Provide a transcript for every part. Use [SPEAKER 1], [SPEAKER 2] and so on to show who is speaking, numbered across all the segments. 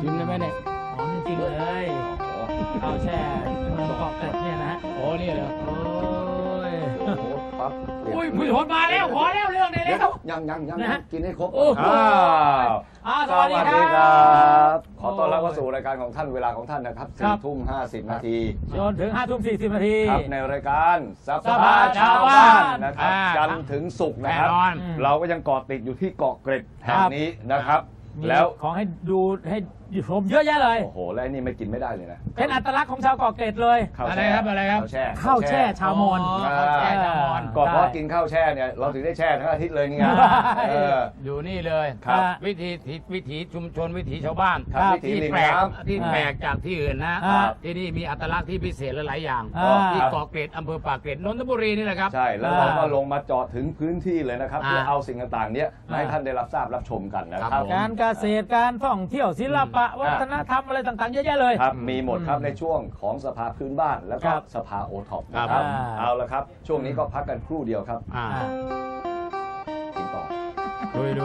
[SPEAKER 1] ชิมได้ไหมเนี่ย
[SPEAKER 2] หอมจริงๆเลยข้าวแช่ประกอบเป็ดเนี่ยนะฮะ
[SPEAKER 1] โอ้นี่เหรอ
[SPEAKER 2] โอ้ย
[SPEAKER 3] โอ้โหปั๊บ
[SPEAKER 2] อุ้ยผู้ชมมาแล้วขอแล้วเรื่องได้แล้ว
[SPEAKER 3] ยัง
[SPEAKER 2] นะฮะ
[SPEAKER 3] กินให้ครบ
[SPEAKER 2] โอ้โห
[SPEAKER 3] ส
[SPEAKER 2] สวัสดีค
[SPEAKER 3] วัสดีค
[SPEAKER 2] รั
[SPEAKER 3] รับ
[SPEAKER 2] บ
[SPEAKER 3] ขอต้อนรับเข้าสู่รายการของท่านเวลาของท่านนะครับ
[SPEAKER 2] ครับ
[SPEAKER 3] 4:50 นาที
[SPEAKER 2] จนถึง5:40 นาที
[SPEAKER 3] ครับในรายการส
[SPEAKER 2] สภาชาวบ้าน
[SPEAKER 3] นะครับจันทร์ถึงศุกร์นะครับ
[SPEAKER 1] แน่นอน
[SPEAKER 3] เราก็ยังเกาะติดอยู่ที่เกาะเกร็ดแห่ง
[SPEAKER 2] ครับ
[SPEAKER 3] นี้นะครับ
[SPEAKER 2] มี
[SPEAKER 3] แล้ว
[SPEAKER 2] ของให้ดูให้ชมเยอะแยะเลย
[SPEAKER 3] โอ้โหและไอ้นี่ไม่กินไม่ได้เลยนะ
[SPEAKER 2] เป็นอัตลักษณ์ของชาวเกาะเกร็ดเลย
[SPEAKER 3] ข้าว
[SPEAKER 1] อะไร
[SPEAKER 3] แช่
[SPEAKER 1] ครับอะไรครับ
[SPEAKER 3] ข้าวแช่
[SPEAKER 2] ข้าวแช่ชาวมอญ
[SPEAKER 1] ข้าวแช่ชาวมอญ
[SPEAKER 3] ก็เพราะกินข้าวแช่เนี่ยเราถึงได้แช่ทั้งอาทิตย์เลยนี่ไง
[SPEAKER 2] ใช่
[SPEAKER 3] เออ
[SPEAKER 1] อยู่นี่เลย
[SPEAKER 3] ครับ
[SPEAKER 1] วิถีชุมชนวิถีชาวบ้าน
[SPEAKER 3] ครับวิถี
[SPEAKER 1] ที่
[SPEAKER 3] ริม
[SPEAKER 1] แปลก
[SPEAKER 3] น้ำ
[SPEAKER 1] ที่แปลกจากที่อื่นนะ
[SPEAKER 2] ครับ
[SPEAKER 1] ที่นี่มีอัตลักษณ์ที่พิเศษหลายๆอย่าง ที่
[SPEAKER 3] ครับ
[SPEAKER 1] เกาะเกร็ดอำเภอปากเกร็ดนนทบุรีนี่แหละครับ
[SPEAKER 3] ใช่แล้วเราก็ลงมาเจาะถึงพื้นที่เลยนะครับ
[SPEAKER 1] อ่า
[SPEAKER 3] เพื่อเอาสิ่งต่างๆเนี้ยมาให้ท่านได้รับทราบรับชมกันนะค
[SPEAKER 1] ครั
[SPEAKER 3] รับบ
[SPEAKER 1] ผม
[SPEAKER 2] การเกษตรการท่องเที่ยวศิลปะวัฒนธรรมอะไรต่างๆเยอะแยะเลย
[SPEAKER 3] ครับมีหมดครับในช่วงของสภาพื้นบ้านแล้วก็
[SPEAKER 2] ครับ
[SPEAKER 3] สภาโอท็อป
[SPEAKER 1] ครั
[SPEAKER 3] นะ
[SPEAKER 1] บ
[SPEAKER 3] ครับ
[SPEAKER 2] อ่า
[SPEAKER 3] เอาละครับ ช่วงนี้ก็พักกันครู่เดียวครับ
[SPEAKER 1] อ่า
[SPEAKER 3] กินต่อ
[SPEAKER 1] ดู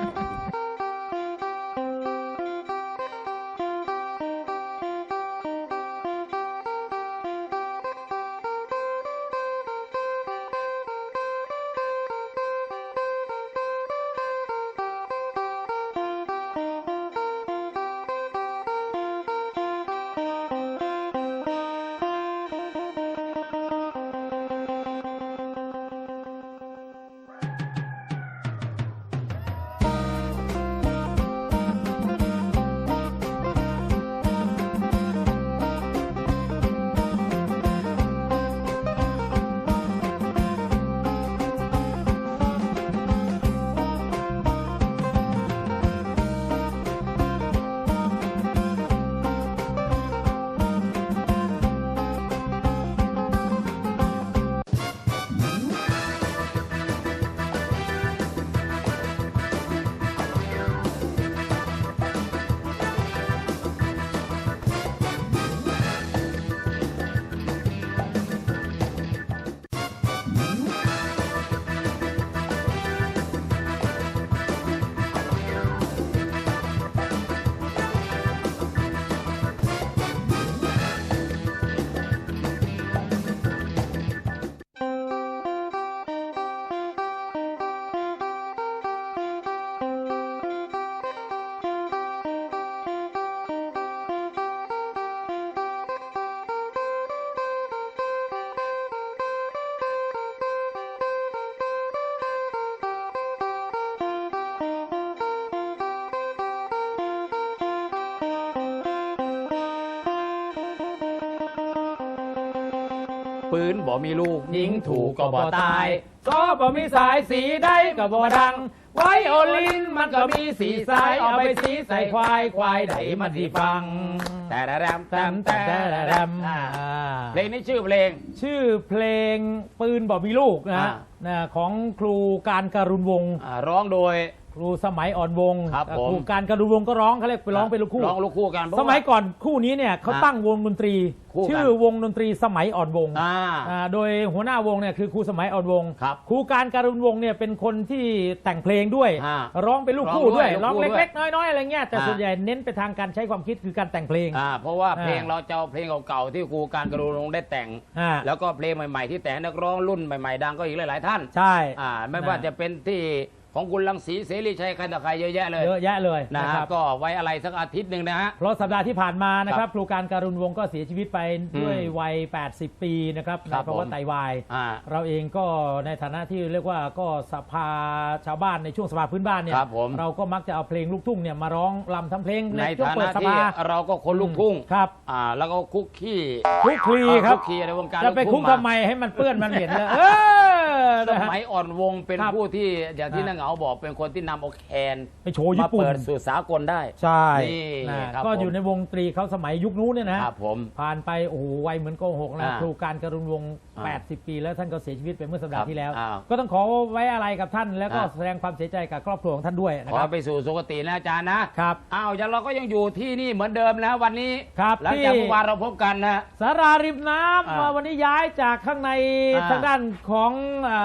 [SPEAKER 1] ปืนบ่มีลูกยิงถูกก็บ่ตาย
[SPEAKER 2] ก็บ่มีสายสีได้ก็บ่ดัง ไวโอลินมันก็มีสีสายเอาไปสีใส่ควายควายไหนมันที่ฟัง
[SPEAKER 1] แต่แรม
[SPEAKER 2] แตมแต่แรม
[SPEAKER 1] เพลงนี้ชื่อเพลง
[SPEAKER 2] ชื่อเพลงปืนบ่มีลูกนะฮะ
[SPEAKER 1] อ่า
[SPEAKER 2] นะของครูการการุณวงศ์
[SPEAKER 1] ร้องโดย
[SPEAKER 2] ครูสมัยอ่อนวงศ์
[SPEAKER 1] ครับผม
[SPEAKER 2] ครูการการุณวงศ์ก็ร้องเขาเรียกไปร้องเป็นลูกคู่
[SPEAKER 1] ร้องลูกคู่กันเพราะ
[SPEAKER 2] ส
[SPEAKER 1] ว่า
[SPEAKER 2] มัยก่อนคู่นี้เนี่ยเขาตั้งวงดนตรี
[SPEAKER 1] คู่กัน
[SPEAKER 2] ชื่อวงดนตรีสมัยอ่อนวงศ์ โดยหัวหน้าวงเนี่ยคือครูสมัยอ่อนวงศ์
[SPEAKER 1] ครับ
[SPEAKER 2] ครูการการุณวงศ์เนี่ยเป็นคนที่แต่งเพลงด้วย
[SPEAKER 1] อ่า
[SPEAKER 2] ร้องเป็นลูกคู่ด้วย
[SPEAKER 1] ร้
[SPEAKER 2] ร้
[SPEAKER 1] อ
[SPEAKER 2] อง ง
[SPEAKER 1] ด้วย
[SPEAKER 2] เล็กๆน้อยๆอะไรเงี้ยแต่
[SPEAKER 1] อ่า
[SPEAKER 2] ส่วนใหญ่เน้นไปทางการใช้ความคิดคือการแต่งเพลง
[SPEAKER 1] เพราะว่า
[SPEAKER 2] อ่า
[SPEAKER 1] เพลงเราจะเอาเพลงเก่าๆที่ครูการกรุณรงค์ได้แต่ง
[SPEAKER 2] อ่า
[SPEAKER 1] แล้วก็เพลงใหม่ๆที่แต่งนักร้องรุ่นใหม่ๆดังก็อีกหลายๆท่าน
[SPEAKER 2] ใช่
[SPEAKER 1] ไม่ว่าจะเป็นที่ของคุณรังสีเสรีชัยใครต่อใครเยอะแยะเลย
[SPEAKER 2] เยอะแยะเลย
[SPEAKER 1] นะ
[SPEAKER 2] นะ
[SPEAKER 1] ฮะ
[SPEAKER 2] ครับ
[SPEAKER 1] ก็ไว้อะไรสักอาทิตย์หนึ่งนะฮะ
[SPEAKER 2] เพราะสัปดาห์ที่ผ่านมานะค
[SPEAKER 1] ครั
[SPEAKER 2] รับบ ครูการการุณวงศ์ก็เสียชีวิตไปด้วยวัย 80 ปีนะครับ
[SPEAKER 1] ค
[SPEAKER 2] ใน
[SPEAKER 1] รับ
[SPEAKER 2] ภาวะไตวาย
[SPEAKER 1] อ่า
[SPEAKER 2] เราเองก็ในฐานะที่เรียกว่าก็สภาชาวบ้านในช่วงสภาพื้นบ้านเนี่ย
[SPEAKER 1] ครับผม
[SPEAKER 2] เราก็มักจะเอาเพลงลูกทุ่งเนี่ยมาร้องรำทำเพลง
[SPEAKER 1] ใน
[SPEAKER 2] ช่วง
[SPEAKER 1] ฐา
[SPEAKER 2] เปิด
[SPEAKER 1] นะ
[SPEAKER 2] ส
[SPEAKER 1] ที่
[SPEAKER 2] ภา
[SPEAKER 1] เราก็คนลูกทุ่ง
[SPEAKER 2] ครับ
[SPEAKER 1] แล้วก็คุกขี้
[SPEAKER 2] คุกคลีครับ
[SPEAKER 1] คุกขี้ในวงการ
[SPEAKER 2] จะไป
[SPEAKER 1] ลู
[SPEAKER 2] คุก
[SPEAKER 1] ทุ่ง
[SPEAKER 2] ทำไมให้มันเปื้อนมันเหม็นเลย
[SPEAKER 1] ส
[SPEAKER 2] นะฮะ
[SPEAKER 1] มัยอ่อนวงเป็น
[SPEAKER 2] ครับ
[SPEAKER 1] ผู้ที่อย่างที่นางเหงาบอกเป็นคนที่นำเอาแคน
[SPEAKER 2] ไปโชว์ญี่
[SPEAKER 1] มา
[SPEAKER 2] ปุ่น
[SPEAKER 1] เปิดสู่สากลได้
[SPEAKER 2] ใช่
[SPEAKER 1] นี่
[SPEAKER 2] นะครับ ก็อยู่ในวงดนตรีเขาสมัยยุคนู้นเนี่ยนะฮะ
[SPEAKER 1] ครับผม
[SPEAKER 2] ผ่านไปโอ้โหวัยเหมือนโกหกนะ
[SPEAKER 1] อ่า
[SPEAKER 2] ครูการการุณวงศ์
[SPEAKER 1] อ่า
[SPEAKER 2] 80 ปีแล้วท่านก็เสียชีวิตไปเมื่อสัปดา
[SPEAKER 1] ครั
[SPEAKER 2] ห์
[SPEAKER 1] บ
[SPEAKER 2] ที่แล้ว
[SPEAKER 1] อ้าว
[SPEAKER 2] ก็ต้องขอไว้อะไรกับท่านแล้วก็
[SPEAKER 1] อ่า
[SPEAKER 2] แสดงความเสียใจกับครอบครัวของท่านด้วยนะ
[SPEAKER 1] ขอ
[SPEAKER 2] ครับ
[SPEAKER 1] ไปสู่สุคตินะอาจารย์นะครับ อย่างเราก็ยังอยู่ที่นี่เหมือนเดิมนะวันนี้
[SPEAKER 2] ครับ
[SPEAKER 1] หลังจาก
[SPEAKER 2] ที่
[SPEAKER 1] เมื่อวานเราพบกันนะ
[SPEAKER 2] สาราริมน้ำ
[SPEAKER 1] อ่า
[SPEAKER 2] วันนี้ย้ายจากข้างใน
[SPEAKER 1] อ่า
[SPEAKER 2] ทางด้านของ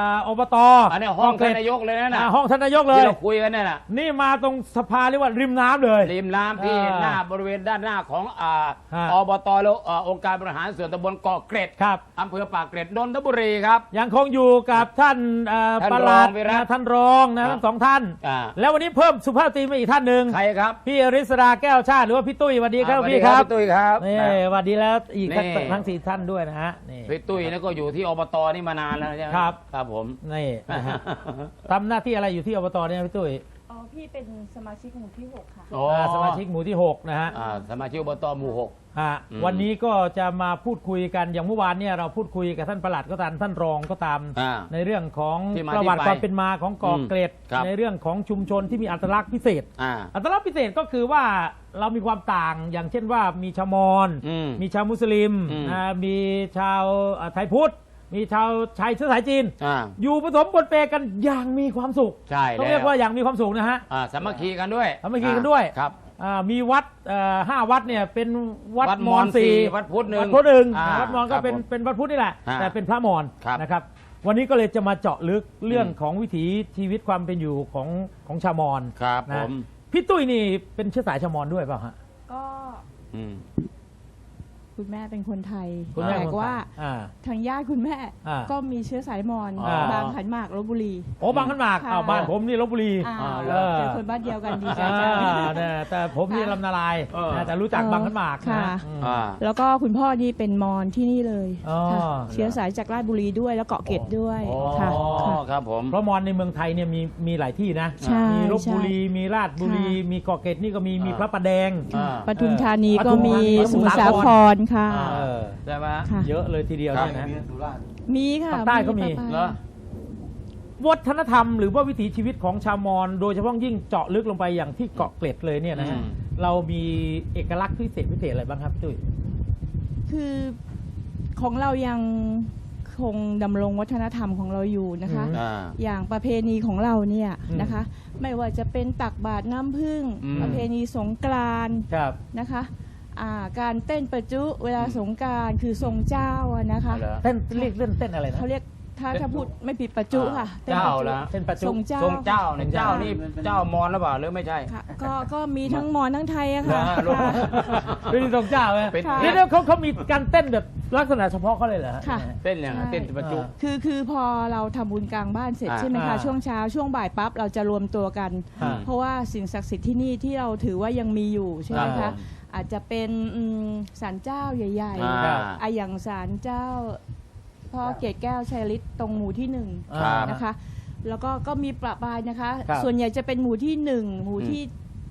[SPEAKER 2] อบต
[SPEAKER 1] อันนี้ห้องท่านนายกเลยนะ
[SPEAKER 2] ห้องท่านนายกเลย
[SPEAKER 1] ที่เราคุยกันเนี่ยนะ
[SPEAKER 2] นี่มาตรงสภาเรียกว่าริมน้ำเลย
[SPEAKER 1] ริมน้ำที่หน้าบริเวณด้านหน้าของอบตแล้วองค์การบริหารส่วนตำบลเกาะเกร็ด
[SPEAKER 2] ครับ
[SPEAKER 1] อำเภอปากเกร็ดนนทบุรีครับ
[SPEAKER 2] ยังคงอยู่กับท่านปลัด
[SPEAKER 1] ท่านรองวิรัติ
[SPEAKER 2] ท่านรองนะ
[SPEAKER 1] ครับ
[SPEAKER 2] ทั้งสองท่าน
[SPEAKER 1] อ่า
[SPEAKER 2] แล้ววันนี้เพิ่มสุภาพสตรีมาอีกท่านหนึ่ง
[SPEAKER 1] ใครครับ
[SPEAKER 2] พี่อริศราแก้วชาติหรือว่าพี่ตุ้ยสวัสดีครับ
[SPEAKER 1] สวัส
[SPEAKER 2] พี่ครับ
[SPEAKER 1] พี่ตุ้ยครับ
[SPEAKER 2] นี่สวัสดีแล้วอีก
[SPEAKER 1] นี่
[SPEAKER 2] ทั้งสี่ท่านด้วยนะฮะนี่
[SPEAKER 1] พี่ตุ้ยนี่ก็อยู่ที่อบตนี่มานานแล้วใช่ไหม
[SPEAKER 2] ครับ
[SPEAKER 1] ครับผม
[SPEAKER 2] นี่นะฮะทำหน้าที่อะไรอยู่ที่อบตเนี่ยพี่ตุ้ย
[SPEAKER 4] อ๋อ พี่เป็นสมาชิกหมู่ที่ 6 ค่ะ
[SPEAKER 1] โอ้
[SPEAKER 2] สมาชิกหมู่ที่6นะฮะ
[SPEAKER 1] สมาชิกอบตหมู่หก
[SPEAKER 2] ฮะ
[SPEAKER 1] อืม
[SPEAKER 2] วันนี้ก็จะมาพูดคุยกันอย่างเมื่อวานเนี่ยเราพูดคุยกับท่านปลัดก็ตามท่านรองก็ตาม
[SPEAKER 1] อ่า
[SPEAKER 2] ในเรื่องของ
[SPEAKER 1] ที่มา
[SPEAKER 2] ประวัติ
[SPEAKER 1] ที่ไป
[SPEAKER 2] ความเป็นมาของเกาะเกร็ด
[SPEAKER 1] ครับ
[SPEAKER 2] ในเรื่องของชุมชนที่มีอัตลักษณ์พิเศษ
[SPEAKER 1] อ่า
[SPEAKER 2] อัตลักษณ์พิเศษก็คือว่าเรามีความต่างอย่างเช่นว่ามีชาวมอญ
[SPEAKER 1] อืม
[SPEAKER 2] มีชาวมุสลิม
[SPEAKER 1] อืม
[SPEAKER 2] มีชาวไทยพุทธมีชาวไทยเชื้อสายจีน
[SPEAKER 1] อ่า
[SPEAKER 2] อยู่ผสมปนเปกันอย่างมีความสุข
[SPEAKER 1] ใช่
[SPEAKER 2] ต้อง
[SPEAKER 1] แล้ว
[SPEAKER 2] เรียกว่าอย่างมีความสุขนะฮะ
[SPEAKER 1] สามัคคีกันด้วย
[SPEAKER 2] สามัคคีกันด้วย
[SPEAKER 1] ครับ
[SPEAKER 2] มีวัด5 วัดเนี่ยเป็นวัด
[SPEAKER 1] วัด
[SPEAKER 2] ม
[SPEAKER 1] ม
[SPEAKER 2] อ
[SPEAKER 1] อ
[SPEAKER 2] ญ
[SPEAKER 1] ญ
[SPEAKER 2] สี่
[SPEAKER 1] วัดพุทธหนึ่ง
[SPEAKER 2] วัดพุทธหนึ่ง
[SPEAKER 1] อ่า
[SPEAKER 2] วัดมอญ
[SPEAKER 1] ครั
[SPEAKER 2] ก็
[SPEAKER 1] บ
[SPEAKER 2] เป็น
[SPEAKER 1] ผม
[SPEAKER 2] เป็นวัดพุทธนี่แหละ
[SPEAKER 1] อ่า
[SPEAKER 2] แต่เป็นพระมอญ
[SPEAKER 1] ครับ
[SPEAKER 2] นะครับ วันนี้ก็เลยจะมาเจาะลึกเรื่องของวิถีชีวิตความเป็นอยู่ของชาวมอญ
[SPEAKER 1] ครับ
[SPEAKER 2] นะ
[SPEAKER 1] ผม
[SPEAKER 2] พี่ตุ้ยนี่เป็นเชื้อสายชาวมอญด้วยเปล่าฮะ
[SPEAKER 4] ก็
[SPEAKER 1] อืม
[SPEAKER 4] คุณแม่เป็นคนไทย
[SPEAKER 2] คุณแม่
[SPEAKER 4] แต่
[SPEAKER 2] คนไทย
[SPEAKER 4] ว่า
[SPEAKER 2] อ่า
[SPEAKER 4] ทางญาติคุณแม่
[SPEAKER 2] อ่า
[SPEAKER 4] ก็มีเชื้อสายมอญ
[SPEAKER 1] อ่า
[SPEAKER 4] บางขันหมากลบบุรี
[SPEAKER 2] โอ้บางขันหมาก
[SPEAKER 4] ค่ะ
[SPEAKER 2] อ้าวบ้านผมนี่ลบบุรี
[SPEAKER 4] อ่า
[SPEAKER 1] เหรอ
[SPEAKER 4] เจอคนบ้านเดียวกันดีใจ
[SPEAKER 2] อ่า
[SPEAKER 4] จัง
[SPEAKER 2] เนี่ยแต่ผมนี่
[SPEAKER 4] ค่ะ
[SPEAKER 2] ลำนาลาย
[SPEAKER 1] เออ
[SPEAKER 2] นะแต่รู้จักบางขันหมากนะ
[SPEAKER 4] ค่ะ
[SPEAKER 2] อืม
[SPEAKER 1] อ่า
[SPEAKER 4] แล้วก็คุณพ่อนี่เป็นมอญที่นี่เลย
[SPEAKER 2] อ๋อ
[SPEAKER 4] ค่ะ
[SPEAKER 2] เหรอ
[SPEAKER 4] เชื้อสายจากราชบุรีด้วยแล้วเกาะเกร็ดด้วย
[SPEAKER 1] อ๋อ
[SPEAKER 4] ค่ะค่ะ
[SPEAKER 1] ครับผม
[SPEAKER 2] เพราะมอญในเมืองไทยเนี่ยมีหลายที่นะ
[SPEAKER 4] ใช่
[SPEAKER 2] มีลบบุรี มีราชบุรี
[SPEAKER 4] ค่ะ
[SPEAKER 2] มีเกาะเกร็ดนี่ก็มี
[SPEAKER 1] อ่ามี
[SPEAKER 2] พระประแดง
[SPEAKER 1] อ่า
[SPEAKER 4] ปทุมธานีก็มี
[SPEAKER 2] ปทุมธานี
[SPEAKER 4] สมุทรสาครค่ะ
[SPEAKER 1] อ่า
[SPEAKER 2] เออ
[SPEAKER 1] ใช่ไหม
[SPEAKER 4] ค่ะ
[SPEAKER 2] เยอะเลยทีเดียว
[SPEAKER 1] ครับ
[SPEAKER 2] เนี่ยนะ
[SPEAKER 4] มีค่ะ
[SPEAKER 2] ภาคใต้ก็มี
[SPEAKER 4] ปะปาย
[SPEAKER 1] เหรอ
[SPEAKER 2] วัฒนธรรมหรือว่าวิถีชีวิตของชาวมอญโดยเฉพาะยิ่งเจาะลึกลงไปอย่างที่เกาะเกร็ดเลยเนี่ยนะฮะ
[SPEAKER 1] อืม
[SPEAKER 2] เรามีเอกลักษณ์พิเศษอะไรบ้างครับตุ้ย
[SPEAKER 4] คือของเรายังคงดำรงวัฒนธรรมของเราอยู่นะคะ
[SPEAKER 2] อืม
[SPEAKER 1] อ่า
[SPEAKER 4] อย่างประเพณีของเราเนี่ย
[SPEAKER 2] อืม
[SPEAKER 4] นะคะ ไม่ว่าจะเป็นตักบาตรน้ำผึ้ง
[SPEAKER 1] อืม
[SPEAKER 4] ประเพณีสงกรานต์
[SPEAKER 2] ครับ
[SPEAKER 4] นะคะการเต้นประจุเวลาสงกรานต์คือทรงเจ้าอะนะคะ
[SPEAKER 1] เหรอ
[SPEAKER 2] เต้นเรียกเล่นเต้นอะไรนะ
[SPEAKER 4] เขาเรียกถ้าพูดไม่ผิดประจุค่ะต้น
[SPEAKER 1] เจ้า
[SPEAKER 4] ประจุ
[SPEAKER 1] ละ
[SPEAKER 2] เต้นปัจจุ
[SPEAKER 4] ทรงเจ้า
[SPEAKER 1] ทรงเจ้าเนี่ยเจ้านี่เจ้ามอญหรือเปล่าหรือไม่ใช่
[SPEAKER 4] ค่ะก็มีทั้งมอญทั้งไทยอะค่ะ
[SPEAKER 1] เหรอ
[SPEAKER 4] ค่ะ
[SPEAKER 2] เป็นทรงเจ้าไหม
[SPEAKER 1] เป็น
[SPEAKER 4] ค่ะ
[SPEAKER 2] เดี๋ยวเขามีการเต้นแบบลักษณะเฉพาะเขาเลยเหรอฮ
[SPEAKER 4] ค่ะ
[SPEAKER 1] เต้นอย่างนั้น
[SPEAKER 4] ใช่
[SPEAKER 1] เต้นประจุ
[SPEAKER 4] คือพอเราทำบุญกลางบ้านเสร็จ
[SPEAKER 1] อ่า
[SPEAKER 4] ใช่ไหมคะ
[SPEAKER 2] อ่า
[SPEAKER 4] ช่วงเช้าช่วงบ่ายปั๊บเราจะรวมตัวกัน
[SPEAKER 2] อ่า
[SPEAKER 4] เพราะว่าสิ่งศักดิ์สิทธิ์ที่นี่ที่เราถือว่ายังมีอยู่ใช่ไหม
[SPEAKER 1] ครั
[SPEAKER 4] คะ
[SPEAKER 1] บ
[SPEAKER 4] อาจจะเป็นศาลเจ้าใหญ่
[SPEAKER 1] อ่า
[SPEAKER 4] อย่างศาลเจ้าพ่อเกศแก้วชัยฤทธิ์ตรงหมู่ที่
[SPEAKER 1] ครับ
[SPEAKER 4] 1นะคะ แล้วก็มีประปรายนะคะ
[SPEAKER 2] ครับ
[SPEAKER 4] ส่วนใหญ่จะเป็นหมู่ที่ 1 หมู่ที่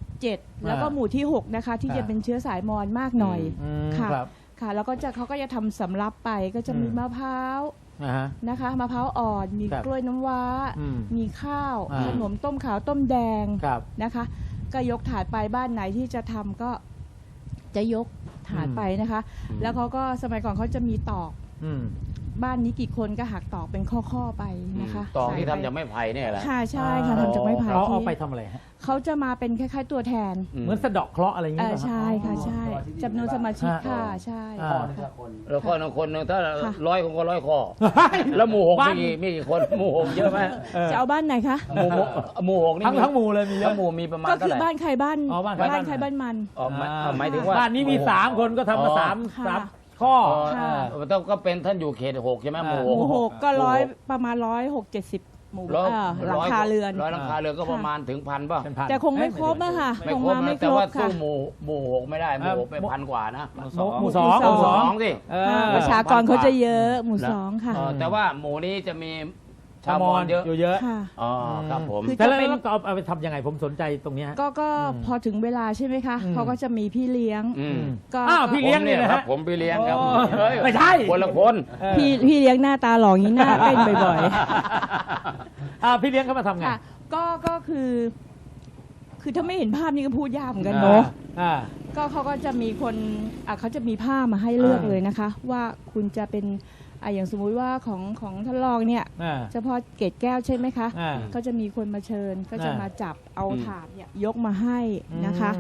[SPEAKER 4] 7 แล้วก็หมู่ที่ 6 นะคะ ที่
[SPEAKER 2] อ่า
[SPEAKER 4] จะเป็นเชื้อสายมอญมากหน่อย
[SPEAKER 2] อืม
[SPEAKER 4] ค่ะ
[SPEAKER 2] ครับ
[SPEAKER 4] ค่ะ แล้วก็เขาก็จะทำสำรับไปก็จะมี
[SPEAKER 2] อืม
[SPEAKER 4] มะพร้าว
[SPEAKER 2] อ่าฮะ
[SPEAKER 4] นะคะมะพร้าวอ่อน มี
[SPEAKER 2] ครับ
[SPEAKER 4] กล้วยน้ำว้า
[SPEAKER 2] อืม
[SPEAKER 4] มีข้าว
[SPEAKER 2] อ่า
[SPEAKER 4] ขนมต้มขาวต้มแดง
[SPEAKER 2] ครับ
[SPEAKER 4] นะคะ ก็ยกถาดไปบ้านไหนที่จะทำก็จะยกถาดไปนะคะ แล้วเขาก็สมัยก่อนเขาจะมีตอก
[SPEAKER 2] อืม
[SPEAKER 4] บ้านนี้กี่คนก็หักตอกเป็นข้อๆไปนะคะ
[SPEAKER 1] ตอง
[SPEAKER 4] ใส่
[SPEAKER 1] ที่
[SPEAKER 4] ไป
[SPEAKER 1] ทำจากไม้ไผ่เนี่ยแหละ
[SPEAKER 4] ค่ะใช่ค่ะทำจากไม้ไผ่
[SPEAKER 2] เขาเอา
[SPEAKER 4] ที่
[SPEAKER 2] ไปทำอะไรฮะ
[SPEAKER 4] เขาจะมาเป็นคล้ายๆตัวแทน
[SPEAKER 2] เหมือนสะเดาะเคราะห์อะไรอย่างเงี้ยเหรอฮะ
[SPEAKER 4] ใช่ค่ะใช่จำนวนสมาชิก
[SPEAKER 2] อ่า
[SPEAKER 4] ค่ะใช่
[SPEAKER 2] อ่า
[SPEAKER 4] ค่ะ
[SPEAKER 1] แล้วคนหนึ่งคนหนึ่งถ้า
[SPEAKER 4] ค่ะ
[SPEAKER 1] 100 คนก็100 ข้อ แล้วหมู่หกมีกี่คนหมู่หกเยอะไหม
[SPEAKER 2] เออ
[SPEAKER 4] จะเอาบ้านไหนคะ
[SPEAKER 1] หมู่หกนี่
[SPEAKER 2] ทั้งหมู่เลยมีเย
[SPEAKER 1] ทั้
[SPEAKER 2] อะ
[SPEAKER 1] งหมู่มีประมาณ
[SPEAKER 4] ก็
[SPEAKER 1] เท่า
[SPEAKER 4] คือ
[SPEAKER 1] ไหร่
[SPEAKER 4] บ้านใครบ้าน
[SPEAKER 2] อ๋อบ้านใครบ้าน
[SPEAKER 4] ใครบ้านมัน
[SPEAKER 1] อ๋อหมายถึงว่า
[SPEAKER 2] บ้านนี้มี3 คนก็ทำมา
[SPEAKER 1] อ๋อ
[SPEAKER 2] สามข้อ
[SPEAKER 1] อ๋อ
[SPEAKER 4] ค่ะ
[SPEAKER 1] ต้องก็เป็นท่านอยู่เขต6ใช่ไหมหมู่
[SPEAKER 4] หมู่
[SPEAKER 1] ห
[SPEAKER 4] ห
[SPEAKER 1] ก
[SPEAKER 4] กก็ประมาณ160 หมู่
[SPEAKER 1] ร้อย
[SPEAKER 4] หลังคาเรือน
[SPEAKER 1] ร้อยหลังคาเรือนก็ประมาณถึง1,000ป่ะ
[SPEAKER 2] เป็นพัน
[SPEAKER 4] แต่คงไม่ครบอะค่ะ
[SPEAKER 1] ไม่
[SPEAKER 4] คง
[SPEAKER 1] ครบ
[SPEAKER 4] มาไม่
[SPEAKER 1] นะ
[SPEAKER 4] ค
[SPEAKER 1] แต่
[SPEAKER 4] รบ
[SPEAKER 1] ว่าสู้
[SPEAKER 4] ค่ะ
[SPEAKER 1] หมู่หกไม่ได้หมู่หกไป1,000 กว่านะ
[SPEAKER 2] หมู่สอง
[SPEAKER 4] หมู่สอง
[SPEAKER 1] สองสิ
[SPEAKER 2] เอ
[SPEAKER 4] ค่ะ
[SPEAKER 2] อ
[SPEAKER 4] ประชากรเขาจะเยอะหมู่
[SPEAKER 1] นะ
[SPEAKER 4] สองค่ะ
[SPEAKER 1] แต่ว่าหมู่นี้จะมีชา
[SPEAKER 2] ชาว ว
[SPEAKER 1] ม
[SPEAKER 2] ม
[SPEAKER 1] อ
[SPEAKER 2] อ
[SPEAKER 1] ญ
[SPEAKER 2] ญ
[SPEAKER 1] เยอะ
[SPEAKER 2] อยู่เยอะ
[SPEAKER 4] ค่ะ
[SPEAKER 1] อ๋อครับผม
[SPEAKER 4] คือ
[SPEAKER 2] แต่แล้วก็เอาไปทำยังไงผมสนใจตรงเนี้ยฮะ
[SPEAKER 4] ก็
[SPEAKER 2] อืม
[SPEAKER 4] พอถึงเวลาใช่ไหมคะ
[SPEAKER 2] อืม
[SPEAKER 4] เขาก็จะมีพี่เลี้ยง
[SPEAKER 1] อืม
[SPEAKER 4] ก็
[SPEAKER 2] อ้าวพี่ เลี้ยงนี่นะฮะ
[SPEAKER 1] ผมพี่เลี้ยงครับ
[SPEAKER 2] โอ้
[SPEAKER 1] เฮ้ย
[SPEAKER 2] ไม่ใช่
[SPEAKER 1] คนละคน
[SPEAKER 4] พี่เลี้ยงหน้าตาหล่ออย่างนี้หน้าเต้นบ่อย
[SPEAKER 2] พี่เลี้ยงเขามาทำ
[SPEAKER 4] ๆ
[SPEAKER 2] ไง
[SPEAKER 4] ค่ะก็คือถ้าไม่เห็นภาพนี้ก็พูดยากเหมือนกันเนาะ
[SPEAKER 2] อ่า
[SPEAKER 4] ก็เขาก็จะมีคนเขาจะมีผ้ามาให้เลือก
[SPEAKER 2] อ่า
[SPEAKER 4] เลยนะคะ ว่าคุณจะเป็นอย่างสมมุติว่าของท่านรองเนี่ย
[SPEAKER 2] อ่า
[SPEAKER 4] เฉพาะเกศแก้วใช่ไหมคะ
[SPEAKER 2] อ่า
[SPEAKER 4] ก็จะมีคนมาเชิญก็จะ
[SPEAKER 2] อ่าม
[SPEAKER 4] มาจับเอา
[SPEAKER 1] อืม
[SPEAKER 4] ถาดเนี่ยยกมาให้นะคะ
[SPEAKER 2] อืม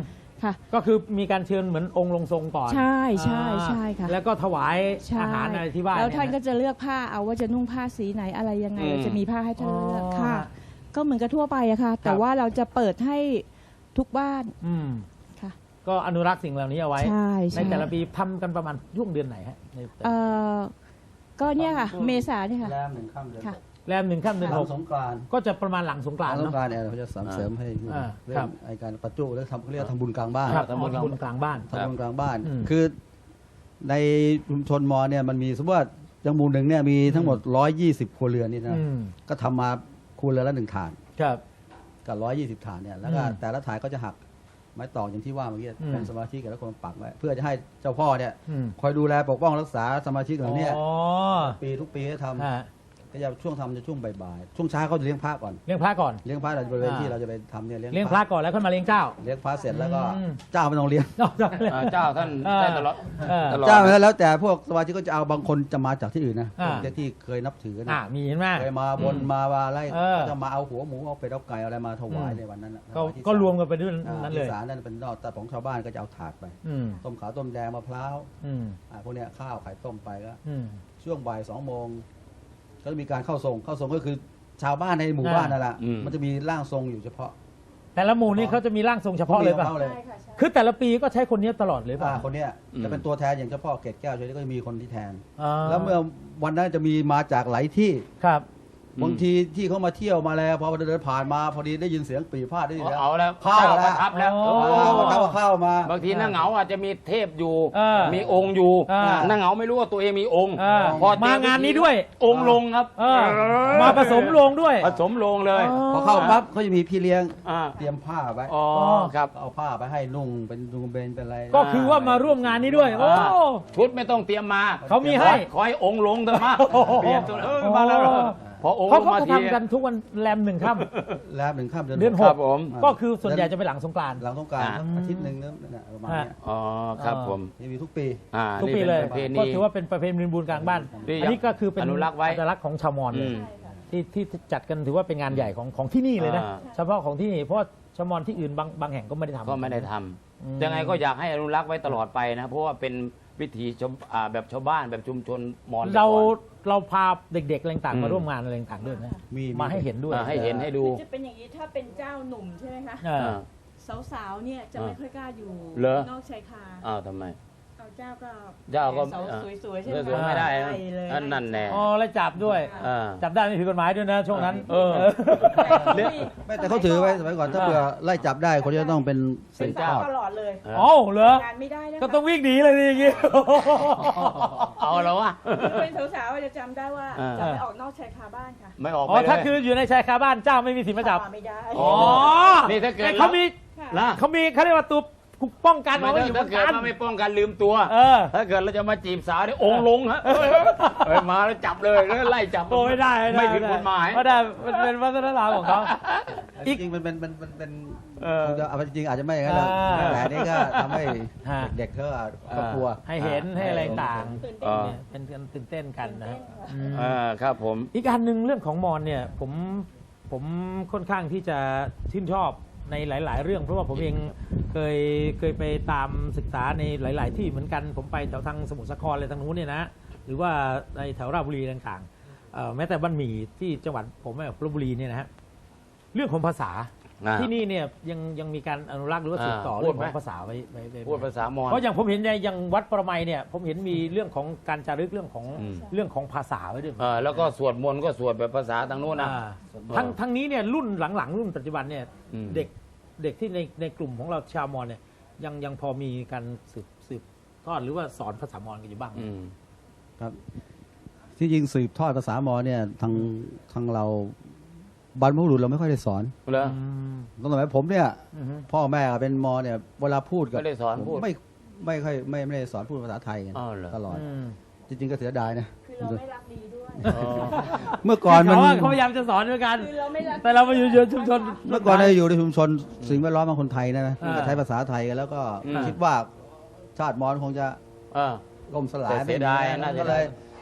[SPEAKER 4] ค่ะ
[SPEAKER 2] ก็คือมีการเชิญเหมือนองค์ลงทรงก่อน
[SPEAKER 4] ใช่ใช่ใช่ค่ะ
[SPEAKER 2] แล้วก็ถวาย
[SPEAKER 4] ใช่
[SPEAKER 2] อาหารอะไรที่บ้าน
[SPEAKER 4] แล้วท่าน
[SPEAKER 2] เย
[SPEAKER 4] ก็จะเลือกผ้าเอาว่าจะนุ่งผ้าสีไหนอะไรยังไง
[SPEAKER 1] อืม
[SPEAKER 4] เราจะมีผ้าให้ท่านเลือก
[SPEAKER 2] อ๋อ
[SPEAKER 4] ค่ะ ก็เหมือนกับทั่วไปอะค่ะ แต่ว่าเราจะเปิดให้ทุกบ้าน
[SPEAKER 2] อืม
[SPEAKER 4] ค่ะ
[SPEAKER 2] ก็อนุรักษ์สิ่งเหล่านี้เอาไว้
[SPEAKER 4] ใช่
[SPEAKER 2] ใน
[SPEAKER 4] ใช่
[SPEAKER 2] แต่ละปีทำกันประมาณช่วงเดือนไหนฮะในแต่ละ
[SPEAKER 4] เอ่อก็เนี่ยค่ะ เมษาเนี่ยค่ะ
[SPEAKER 5] แรมหนึ่งค่ำเดือน
[SPEAKER 4] ค่ะ
[SPEAKER 2] แรม1 ค่ำเดือน
[SPEAKER 5] หลัง
[SPEAKER 2] 6
[SPEAKER 5] สงกรานต์
[SPEAKER 2] ก็จะประมาณหลังสงกรานต์
[SPEAKER 5] สง
[SPEAKER 2] เนาะ
[SPEAKER 5] กรานต์เนี่ยเขาจะเสริมให้อยู่
[SPEAKER 2] อ่า
[SPEAKER 5] เรื่
[SPEAKER 2] ครั
[SPEAKER 5] อบ งไอการประจุแล้วเขาเรียกว่าทำบุญกลางบ้าน
[SPEAKER 2] ครับ
[SPEAKER 1] ทำบุญ
[SPEAKER 2] บุญกลางบ้าน
[SPEAKER 5] ทำบุญกลางบ้าน
[SPEAKER 2] อืม
[SPEAKER 5] คือในชุมชนมอเนี่ยมันมีสมมติว่าจังหมู่หนึ่งเนี่ยมีทั้งหมด 120 ครัวเรือนนี่นะ
[SPEAKER 2] อืม
[SPEAKER 5] ก็ทำมาครัวเรือนละ1 ฐาน
[SPEAKER 2] ครับ
[SPEAKER 5] กับ120 ฐานเนี่ยแล้วก็
[SPEAKER 2] อืม
[SPEAKER 5] แต่ละฐานก็จะหักไม้ตอกอย่างที่ว่าเมื่อกี้
[SPEAKER 2] อืม
[SPEAKER 5] เป็นสมาชิกแต่ละคนปักไว้เพื่อจะให้เจ้าพ่อเนี่ย
[SPEAKER 2] อืม
[SPEAKER 5] คอยดูแลปกป้องรักษาสมาชิกเหล่าเนี้
[SPEAKER 2] อ๋อ
[SPEAKER 5] ทุกปีให้ทำ
[SPEAKER 2] ฮะ
[SPEAKER 5] ก็จะช่วงทำจะช่วงบ่ายๆช่วงเช้าเขาจะเลี้ยงพระก่อน
[SPEAKER 2] เลี้ยงพระก่อน
[SPEAKER 5] เลี้ยงพระเราบริเวณ
[SPEAKER 2] อ่า
[SPEAKER 5] ที่เราจะไปทำเนี่ย
[SPEAKER 2] เลี้ยงพระก่อนแล้วค่อยมาเลี้ยงเจ้า
[SPEAKER 5] เลี้ยงพระเสร็จแล้วก็
[SPEAKER 2] อืม
[SPEAKER 5] เจ้าไม่ต้องเลี้ยง
[SPEAKER 2] นอกจากเลย
[SPEAKER 1] เจ้าท่าน
[SPEAKER 2] เออ
[SPEAKER 1] ได้ตลอด
[SPEAKER 2] เออ
[SPEAKER 1] ตลอด
[SPEAKER 5] เจ้าแล้วแต่พวกสมาชิกก็จะเอาบางคนจะมาจากที่อื่นนะ
[SPEAKER 2] อ่า
[SPEAKER 5] ที่เคยนับถือ
[SPEAKER 2] อ่า
[SPEAKER 5] นะ
[SPEAKER 2] มีเห็นไหม
[SPEAKER 5] เคยมาบน
[SPEAKER 2] อืม
[SPEAKER 5] มาว่าอะไร
[SPEAKER 2] เออ
[SPEAKER 5] ก็จะมาเอาหัวหมูเอาเป็ดเอาไก่เอาอะไรมาถวายในวันนั้นน่ะ
[SPEAKER 2] ก็
[SPEAKER 5] ถวายที่
[SPEAKER 2] ก็
[SPEAKER 5] ศาล
[SPEAKER 2] รวมกันไปด้วย
[SPEAKER 5] อ่า
[SPEAKER 2] นั้นเล
[SPEAKER 5] ที่
[SPEAKER 2] ย
[SPEAKER 5] ศาลนั่นเป็นนอกแต่ของชาวบ้านก็จะเอาถาดไป
[SPEAKER 2] อืม
[SPEAKER 5] ต้มขาวต้มแดงมะพร้าว
[SPEAKER 2] อืม
[SPEAKER 5] พวกเนี้ยข้าวไข่ต้มไปก็
[SPEAKER 2] อืม
[SPEAKER 5] ช่วงบ่าย2 โมงก็จะมีการเข้าทรงก็คือชาวบ้านในหมู่บ้านนั่นแหละ
[SPEAKER 1] อืม
[SPEAKER 5] มันจะมีร่างทรงอยู่เฉพาะ
[SPEAKER 2] แต่ละหมู่นี่เขาจะมีร่างทรงเฉพาะเลยป่ะ
[SPEAKER 5] มีของข
[SPEAKER 4] ใช่ค่ะใช่
[SPEAKER 2] คือแต่ละปีก็ใช้คนนี้ตลอดเลยป่ะ
[SPEAKER 5] คนเนี้ย
[SPEAKER 1] อืม
[SPEAKER 5] จะเป็นตัวแทนอย่างเจ้าพ่อเกศแก้วช่วยก็จะมีคนที่แทน
[SPEAKER 2] อ่า
[SPEAKER 5] แล้วเมื่อวันนั้นจะมีมาจากหลายที่
[SPEAKER 2] ครับ
[SPEAKER 5] บางทีที่เขามาเที่ยวมาแล้วพอเดินผ่านมาพอดีได้ยินเสียงปีพาดได้ยินแล้ว
[SPEAKER 1] เอาแล้ว
[SPEAKER 5] เข้าแล้ว
[SPEAKER 1] ประทับแล้ว
[SPEAKER 2] อ๋อ
[SPEAKER 5] เข้ามา
[SPEAKER 1] บางทีนั่งเหงาอาจจะมีเทพอยู่
[SPEAKER 2] เออ
[SPEAKER 1] มีองค์อยู่
[SPEAKER 2] อ่า
[SPEAKER 1] นั่งเหงาไม่รู้ว่าตัวเองมีองค์
[SPEAKER 2] เออ
[SPEAKER 1] พอเจอ
[SPEAKER 2] มางานนี้ด้วย
[SPEAKER 1] องค์ลงครับ
[SPEAKER 2] เออ มาผสมโรงด้วย
[SPEAKER 1] ผสมลงเลย
[SPEAKER 5] พอเข้าปั๊บเขาจะมีพี่เลี้ยง
[SPEAKER 1] อ่า
[SPEAKER 5] เตรียมผ้าไว้
[SPEAKER 1] อ๋อครับ
[SPEAKER 5] เอาผ้าไปให้นุ่งเป็นนุ่งเป็นอะไร
[SPEAKER 2] ก็คือว่ามาร่วมงานนี้ด้วย โอ้
[SPEAKER 1] ชุดไม่ต้องเตรียมมา
[SPEAKER 2] เขามีให้
[SPEAKER 1] ขอให้องค์ลงเถอะมา
[SPEAKER 2] โอ้โห
[SPEAKER 1] เปลี่ยนตัวมาแล้วเหรอพอองค์
[SPEAKER 2] เขา
[SPEAKER 1] ลง
[SPEAKER 2] ก็
[SPEAKER 1] มา
[SPEAKER 2] จะ
[SPEAKER 1] ที
[SPEAKER 2] ทำกันทุกวันแรม1 ค่ำ
[SPEAKER 5] แล้ว1 ค่ำเดือน
[SPEAKER 2] เดือน
[SPEAKER 5] ห
[SPEAKER 2] ห
[SPEAKER 5] ก
[SPEAKER 1] ครับผม
[SPEAKER 2] ก็คือส่วนใหญ่จะไปหลังสงกรานต์
[SPEAKER 5] หลังสงกราร
[SPEAKER 1] อ่า
[SPEAKER 5] อาทิตย์หนึ่งนั่นน่ะประมาณเนี้ย
[SPEAKER 1] อ๋อครับผม
[SPEAKER 5] นี่มีทุกปี
[SPEAKER 2] ทุกปี
[SPEAKER 1] นี่
[SPEAKER 2] เลย
[SPEAKER 1] เป็นประเพ
[SPEAKER 2] ก็
[SPEAKER 1] ณี
[SPEAKER 2] ถือว่าเป็นประเพณีบุญกลางบ้าน
[SPEAKER 1] ที่
[SPEAKER 2] อันนี้ก็คือเป็น
[SPEAKER 1] อนุรักษ์ไว้
[SPEAKER 2] อัตลักษณ์ของชาวมอญเล
[SPEAKER 1] อื
[SPEAKER 2] ย
[SPEAKER 1] ม
[SPEAKER 2] ที่จัดกันถือว่าเป็นงานใหญ่ของที่นี่เลยนะ
[SPEAKER 1] อ่า
[SPEAKER 2] เฉพาะของที่นี่เพราะว่าชาวมอญที่อื่นบางแห่งก็ไม่ได้ทำ
[SPEAKER 1] ก็ไม่ได้ท
[SPEAKER 2] อืม
[SPEAKER 1] ำยังไงก็อยากให้อนุรักษ์ไว้ตลอดไปนะ เพราะว่าเป็นวิถีแบบชาวบ้านแบบชุมชนมอญ
[SPEAKER 2] เราพาเด็กๆอะไรต่าง
[SPEAKER 1] อืม
[SPEAKER 2] ๆมาร่วมงานอะไรต่างๆด้วยนะ
[SPEAKER 5] มี
[SPEAKER 2] มาให้เห็นด้วย
[SPEAKER 1] ให้เห็นให้ดู
[SPEAKER 4] จะเป็นอย่างนี้ถ้าเป็นเจ้าหนุ่มใช่ไหมคะ
[SPEAKER 2] เออ
[SPEAKER 4] สาวๆเนี่ยจะไม่ค่อยกล้าอยู่
[SPEAKER 1] เหรอ
[SPEAKER 4] นอกชายคา
[SPEAKER 1] อ้าวทำไม
[SPEAKER 4] เอาเจ้าก็
[SPEAKER 1] เจ้าก็
[SPEAKER 4] สาวสวยๆใช่ไหม
[SPEAKER 1] สวยๆไม่ได้นะ
[SPEAKER 4] ปเลย
[SPEAKER 1] นั่นแน่
[SPEAKER 2] อ๋อแล้วจับด้วย
[SPEAKER 1] อ่า
[SPEAKER 2] จับได้ไม่ผิดกฎหมายด้วยนะช่วงนั้น
[SPEAKER 1] เออ
[SPEAKER 4] แต่
[SPEAKER 5] ไม่แต่เขาถือไว้สมัยก่อนถ้าเผื่อไล่จับได้คนจะต้องเป็น
[SPEAKER 4] เป็น
[SPEAKER 5] ท
[SPEAKER 4] สาว
[SPEAKER 5] อด
[SPEAKER 4] ตลอดเลย
[SPEAKER 2] อ๋อเหรอง
[SPEAKER 4] านไม่ได้นะคะ
[SPEAKER 2] ก็ต้องวิ่งหนีเลยนี่อย่างงี้
[SPEAKER 1] เอาแล้ววะ
[SPEAKER 4] คือเป็นสาวๆจะจำได้ว่า
[SPEAKER 1] อ่า
[SPEAKER 4] จะไม่ออกนอกชายคาบ้านค่ะ
[SPEAKER 1] ไม่ออก
[SPEAKER 2] อ๋
[SPEAKER 1] ไป
[SPEAKER 2] อ
[SPEAKER 1] เลย
[SPEAKER 2] ถ้าคืออยู่ในชายคาบ้านเจ้าไม่มีสิทธิ์มาจับ
[SPEAKER 4] ไม่ได้
[SPEAKER 1] อ๋อ นี่ถ้าเกิด
[SPEAKER 2] แต่เขามี
[SPEAKER 4] ค่ะ
[SPEAKER 1] นะ
[SPEAKER 2] เขาเรียกว่าตัวป้องกัน
[SPEAKER 1] ไม่
[SPEAKER 2] เอาไว้อยู่บ
[SPEAKER 1] ถ้าน เกิด
[SPEAKER 2] กัน
[SPEAKER 1] มาไม่ป้องกันลืมตัว
[SPEAKER 2] เออ
[SPEAKER 1] ถ้าเกิดเราจะมาจีบสาวนี่องค์ลงฮะเอ้ยมาแล้วจับเลยแล้วไล่จับ
[SPEAKER 2] โอ้ไม่ได้
[SPEAKER 1] ไม่ผิดกฎหมาย
[SPEAKER 2] ไม่ได้มันเป็นวัฒนธรรมของเขา
[SPEAKER 5] จริงๆมันเป็น
[SPEAKER 1] เออ
[SPEAKER 5] คงจะเอาไปจริงๆอาจจะไม่อย่างนั้นหรอก
[SPEAKER 2] อ่า
[SPEAKER 5] แต่อันนี่ก็ทำให้
[SPEAKER 2] ฮะ
[SPEAKER 5] เด็กๆก็กลัว
[SPEAKER 2] ให้เห็นให้อะไรต่าง
[SPEAKER 4] ตื่น
[SPEAKER 1] เอ
[SPEAKER 4] เต้น
[SPEAKER 1] อ
[SPEAKER 2] เนี่ยเป็นการตื่นเต้นกันนะ
[SPEAKER 4] ตื่นเต้นค่ะ
[SPEAKER 2] อืม
[SPEAKER 1] ครับผม
[SPEAKER 2] อีกอันหนึ่งเรื่องของมอญเนี่ยผมค่อนข้างที่จะชื่นชอบในหลาย ๆ เรื่อง เพราะว่าผมเองเคยไปตามศึกษาในหลาย ๆ ที่เหมือนกันผมไปแถวทางสมุทรสาครอะไรทางนู้นเนี่ยนะหรือว่าในแถวราชบุรีต่างๆแม้แต่บ้านหมี่ที่จังหวัดผมลพบุรีเนี่ยนะฮะเรื่องของภาษาที่นี่เนี่ยยังมีการอนุรักษ์หรือว่าสืบต่อเรื่องของภาษาไว้
[SPEAKER 1] พูดภาษามอญ
[SPEAKER 2] เพราะอย่างผมเห็นในอย่างวัดประไมเนี่ยผมเห็นมีเรื่องของการจารึกเรื่องของ
[SPEAKER 1] อืม
[SPEAKER 2] เรื่องของภาษาไว้ด้วย
[SPEAKER 1] แล้วก็สวดมนต์ก็สวดแบบภาษาทางนู้นนะ
[SPEAKER 2] อ่าทั้งนี้เนี่ยรุ่นหลังๆ รุ่นปัจจุบันเนี่ย
[SPEAKER 1] อืม
[SPEAKER 2] เด็กที่ในกลุ่มของเราชาวมอญเนี่ยยังพอมีการสืบทอดหรือว่าสอนภาษามอญกันอยู่บ้างไหม
[SPEAKER 1] อืม
[SPEAKER 5] ครับที่จริงสืบทอดภาษามอญเนี่ยทางเราบรรพบุรุษเราไม่ค่อยได้สอน
[SPEAKER 1] เหรอ
[SPEAKER 5] ตั้งแต่ผมเนี่ย
[SPEAKER 2] อือฮึ
[SPEAKER 5] พ่อแม่เป็นมอเนี่ยเวลาพูดกับ
[SPEAKER 1] ไม่ได้สอนพูด
[SPEAKER 5] ไม่ค่อยไม่ได้สอนพูดภาษาไทยกัน
[SPEAKER 1] อ้าวเหรอ
[SPEAKER 5] ตลอด
[SPEAKER 2] อืม
[SPEAKER 5] จริงๆก็เสียดายนะ
[SPEAKER 4] คือเราไม่รักดีด้วย
[SPEAKER 1] อ๋อ
[SPEAKER 5] เมื่อก่อนมัน
[SPEAKER 2] เขาพยายามจะสอนด้วยกัน
[SPEAKER 4] คือเราไม่รัก
[SPEAKER 2] แต่เรามาอยู่ชุมชน
[SPEAKER 5] เมื่อก่อนเราอยู่ในชุมชนสิ่งแวดล้อมของคนไทยนะ
[SPEAKER 2] อ่า
[SPEAKER 5] ก็ใช้ภาษาไทยกันแล้วก็
[SPEAKER 1] อืม
[SPEAKER 5] คิดว่าชาติมอญคงจะ
[SPEAKER 1] เออ
[SPEAKER 5] ล่มสลาย
[SPEAKER 1] แต่เสียดาย
[SPEAKER 5] ไม่มี
[SPEAKER 1] น่าเสี
[SPEAKER 5] ก็
[SPEAKER 1] ย
[SPEAKER 5] เล
[SPEAKER 1] ดาย
[SPEAKER 5] ย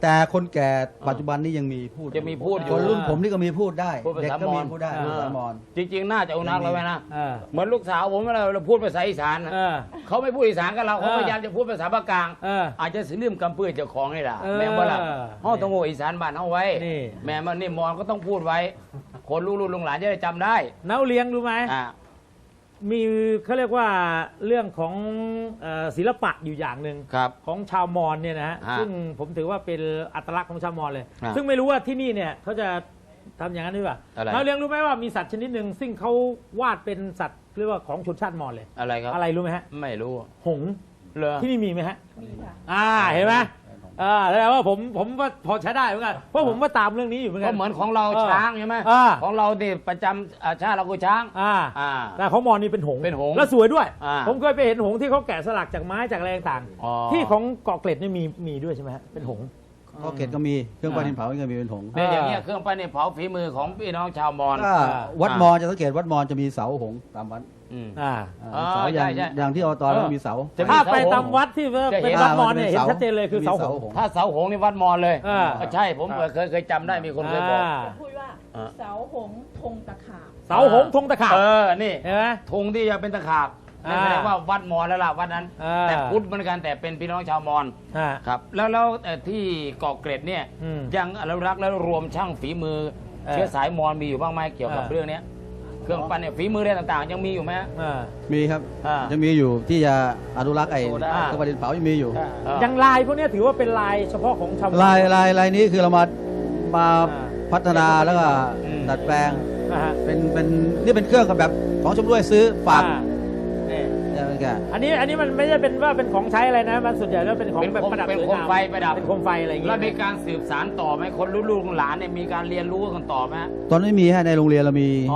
[SPEAKER 5] แต่คนแก่ปัจจุบันนี้ยังมีพูด
[SPEAKER 1] จะมีพูดอยู่
[SPEAKER 5] คนรุ่นผมนี่ก็มีพูดได้
[SPEAKER 1] พูดภาษา
[SPEAKER 5] เด็กก็มี
[SPEAKER 1] มอญ
[SPEAKER 5] พูดได้พูดภาษามอญ
[SPEAKER 1] จริง ๆ น่าจะอนุรักษ์เราไว้นะ
[SPEAKER 2] เออ
[SPEAKER 1] เหมือนลูกสาวผมเวลาเราพูดภาษาอีสานนะ
[SPEAKER 2] เออ
[SPEAKER 1] เขาไม่พูดอีสานกับเราเขาพยายามจะพูดภาษาภาคกลาง
[SPEAKER 2] เออ
[SPEAKER 1] อาจจะสิลืมกำปื้อเจ้าของนี่แหละ
[SPEAKER 2] เออ
[SPEAKER 1] แม่ว่าล่ะเขาต้องโง่อีสานบ้านเขาไว้
[SPEAKER 2] นี่
[SPEAKER 1] แม่มันนี่มอนก็ต้องพูดไว้ คนลูกลุงหลานจะได้จำได้
[SPEAKER 2] เนาเลี้ยงรู้ไหม
[SPEAKER 1] อ่า
[SPEAKER 2] มีเขาเรียกว่าเรื่องของศิลปะอยู่อย่างหนึ่ง
[SPEAKER 1] ครับ
[SPEAKER 2] ของชาวมอญเนี่ยนะฮะ
[SPEAKER 1] ฮะ
[SPEAKER 2] ซึ่งผมถือว่าเป็นอัตลักษณ์ของชาวมอญเลย
[SPEAKER 1] ฮะ
[SPEAKER 2] ซึ่งไม่รู้ว่าที่นี่เนี่ยเขาจะทำอย่างนั้นหรือเปล่า
[SPEAKER 1] อะไร
[SPEAKER 2] เราเลี้ยงรู้ไหมว่ามีสัตว์ชนิดหนึ่งซึ่งเขาวาดเป็นสัตว์เรียกว่าของชนชาติมอญเลย
[SPEAKER 1] อะไรครับ
[SPEAKER 2] อะไรรู้ไหมฮะ
[SPEAKER 1] ไม่รู้
[SPEAKER 2] หงส์
[SPEAKER 1] เหรอ
[SPEAKER 2] ที่นี่มีไหมฮะ
[SPEAKER 4] มีค่ะ
[SPEAKER 2] เห็นไหมแสดงว่าผมว่าพอใช้ได้เหมือนกันเพราะผมว่าตามเรื่องนี้อยู่เหมือนกั
[SPEAKER 1] ก็
[SPEAKER 2] น
[SPEAKER 1] เหมือนของเรา
[SPEAKER 2] เออ
[SPEAKER 1] ช้างใช่ไหม
[SPEAKER 2] อ่า
[SPEAKER 1] ของเราเนี่ยประจำชาติเราคือช้าง
[SPEAKER 2] อ่า
[SPEAKER 1] อ่า
[SPEAKER 2] แต่ของมอญนี่เป็นหงส์
[SPEAKER 1] เป็นหงส์
[SPEAKER 2] แล้วสวยด้วย
[SPEAKER 1] อ่า
[SPEAKER 2] ผมเคยไปเห็นหงส์ที่เขาแกะสลักจากไม้จากอะไรต่าง
[SPEAKER 1] อ๋อ
[SPEAKER 2] ๆที่ของเกาะเกร็ดนี่มีด้วยใช่ไหมฮะเป็นหงส์
[SPEAKER 5] ก็เกตก็มีเครื่องปั้นดินเผาก็มีเป็นผง
[SPEAKER 1] เนี่ยอย่างเงี้ยเครื่องปั้นเนี่ยเผาฝีมือของพี่น้องชาวมอญ
[SPEAKER 5] ถ้าวัดมอญจะสังเกตวัดมอญจะมีเสาหงส์ตามวัด
[SPEAKER 1] อืม
[SPEAKER 2] อ่า
[SPEAKER 1] อ๋อ
[SPEAKER 5] เสาอย่าง
[SPEAKER 1] ใช่
[SPEAKER 5] อย่างที่อบตเรามีเสา
[SPEAKER 1] จะมี
[SPEAKER 2] ถ้า
[SPEAKER 1] เสา
[SPEAKER 2] ไป
[SPEAKER 1] หงส์
[SPEAKER 2] ตามวัดที่ว่า
[SPEAKER 1] จะเห็
[SPEAKER 2] เป็น นวัดมอญเนี่ยเห็นชัดเจนเลยคือเสาหงส์
[SPEAKER 5] งส์
[SPEAKER 1] ถ้าเสาหงส์นี่วัดมอญเลย
[SPEAKER 2] อ่า
[SPEAKER 1] ใช่ผมเคยจำได้มีคนเคยบอก
[SPEAKER 4] พูดว่า
[SPEAKER 1] อ่า
[SPEAKER 4] เสาหงส์ธงตะขาบ
[SPEAKER 2] เสาหงส์ธงตะขาบ
[SPEAKER 1] นี่
[SPEAKER 2] เห็นไหม
[SPEAKER 1] ธงที่จะเป็นตะขาบนั่นแสดงว่าวัดมอญแล้วล่ะวัดนั้น
[SPEAKER 2] อ่า
[SPEAKER 1] แต่พุทธเหมือนกันแต่เป็นพี่น้องชาวมอญ
[SPEAKER 2] อ่า
[SPEAKER 1] ครับแล้วที่เกาะเกร็ดเนี่ย
[SPEAKER 2] อืม
[SPEAKER 1] ยังอนุรักษ์และรวมช่างฝีมือ
[SPEAKER 2] เออ
[SPEAKER 1] เชื้อสายมอญมีอยู่บ้างไหมเกี่ยวกับ
[SPEAKER 2] เออ
[SPEAKER 1] เรื่องเนี้ยเครื่องปั้นเนี่ยฝีมืออะไรต่างๆ ยังมีอยู่ไหมฮะ
[SPEAKER 2] อ่า
[SPEAKER 5] มีครับ
[SPEAKER 1] อ่า
[SPEAKER 5] จะมีอยู่ที่จะอนุรักษ์ไอ้
[SPEAKER 1] โอ้ได้
[SPEAKER 5] เครื่องปั้นดินเผายังมีอยู่
[SPEAKER 2] ยังลายพวกเนี้ยถือว่าเป็นลายเฉพาะของชาวมอญ
[SPEAKER 5] ลายนี้คือเรามา
[SPEAKER 2] อ่า
[SPEAKER 5] พัฒนาแล้วก็
[SPEAKER 1] อืม
[SPEAKER 5] ดัดแปลง
[SPEAKER 2] อ่าฮะ
[SPEAKER 5] เป็นนี่เป็นเครื่องกับแบบของชมรวยซื้อฝาก
[SPEAKER 2] อ่นี่
[SPEAKER 5] ใช่ไหมแก
[SPEAKER 2] อันนี้มันไม่ใช่เป็นว่าเป็นของใช้อะไรนะมันส่วนใหญ่แล้วเป็นของ
[SPEAKER 1] เป็น
[SPEAKER 2] แบบประดับ
[SPEAKER 1] เป็น
[SPEAKER 2] สวย
[SPEAKER 1] โคม
[SPEAKER 2] งาม
[SPEAKER 1] ไฟประดับ
[SPEAKER 2] เป็นโคมไฟอะไรอย่างเงี้
[SPEAKER 1] แล้ว
[SPEAKER 2] ย
[SPEAKER 1] มีการสืบสารต่อไหมคนลูกๆหลานเนี่ยมีการเรียนรู้กันต่อไหมฮะ
[SPEAKER 5] ตอนนี้มีให้ในโรงเรียนเรามี
[SPEAKER 1] อ๋อบ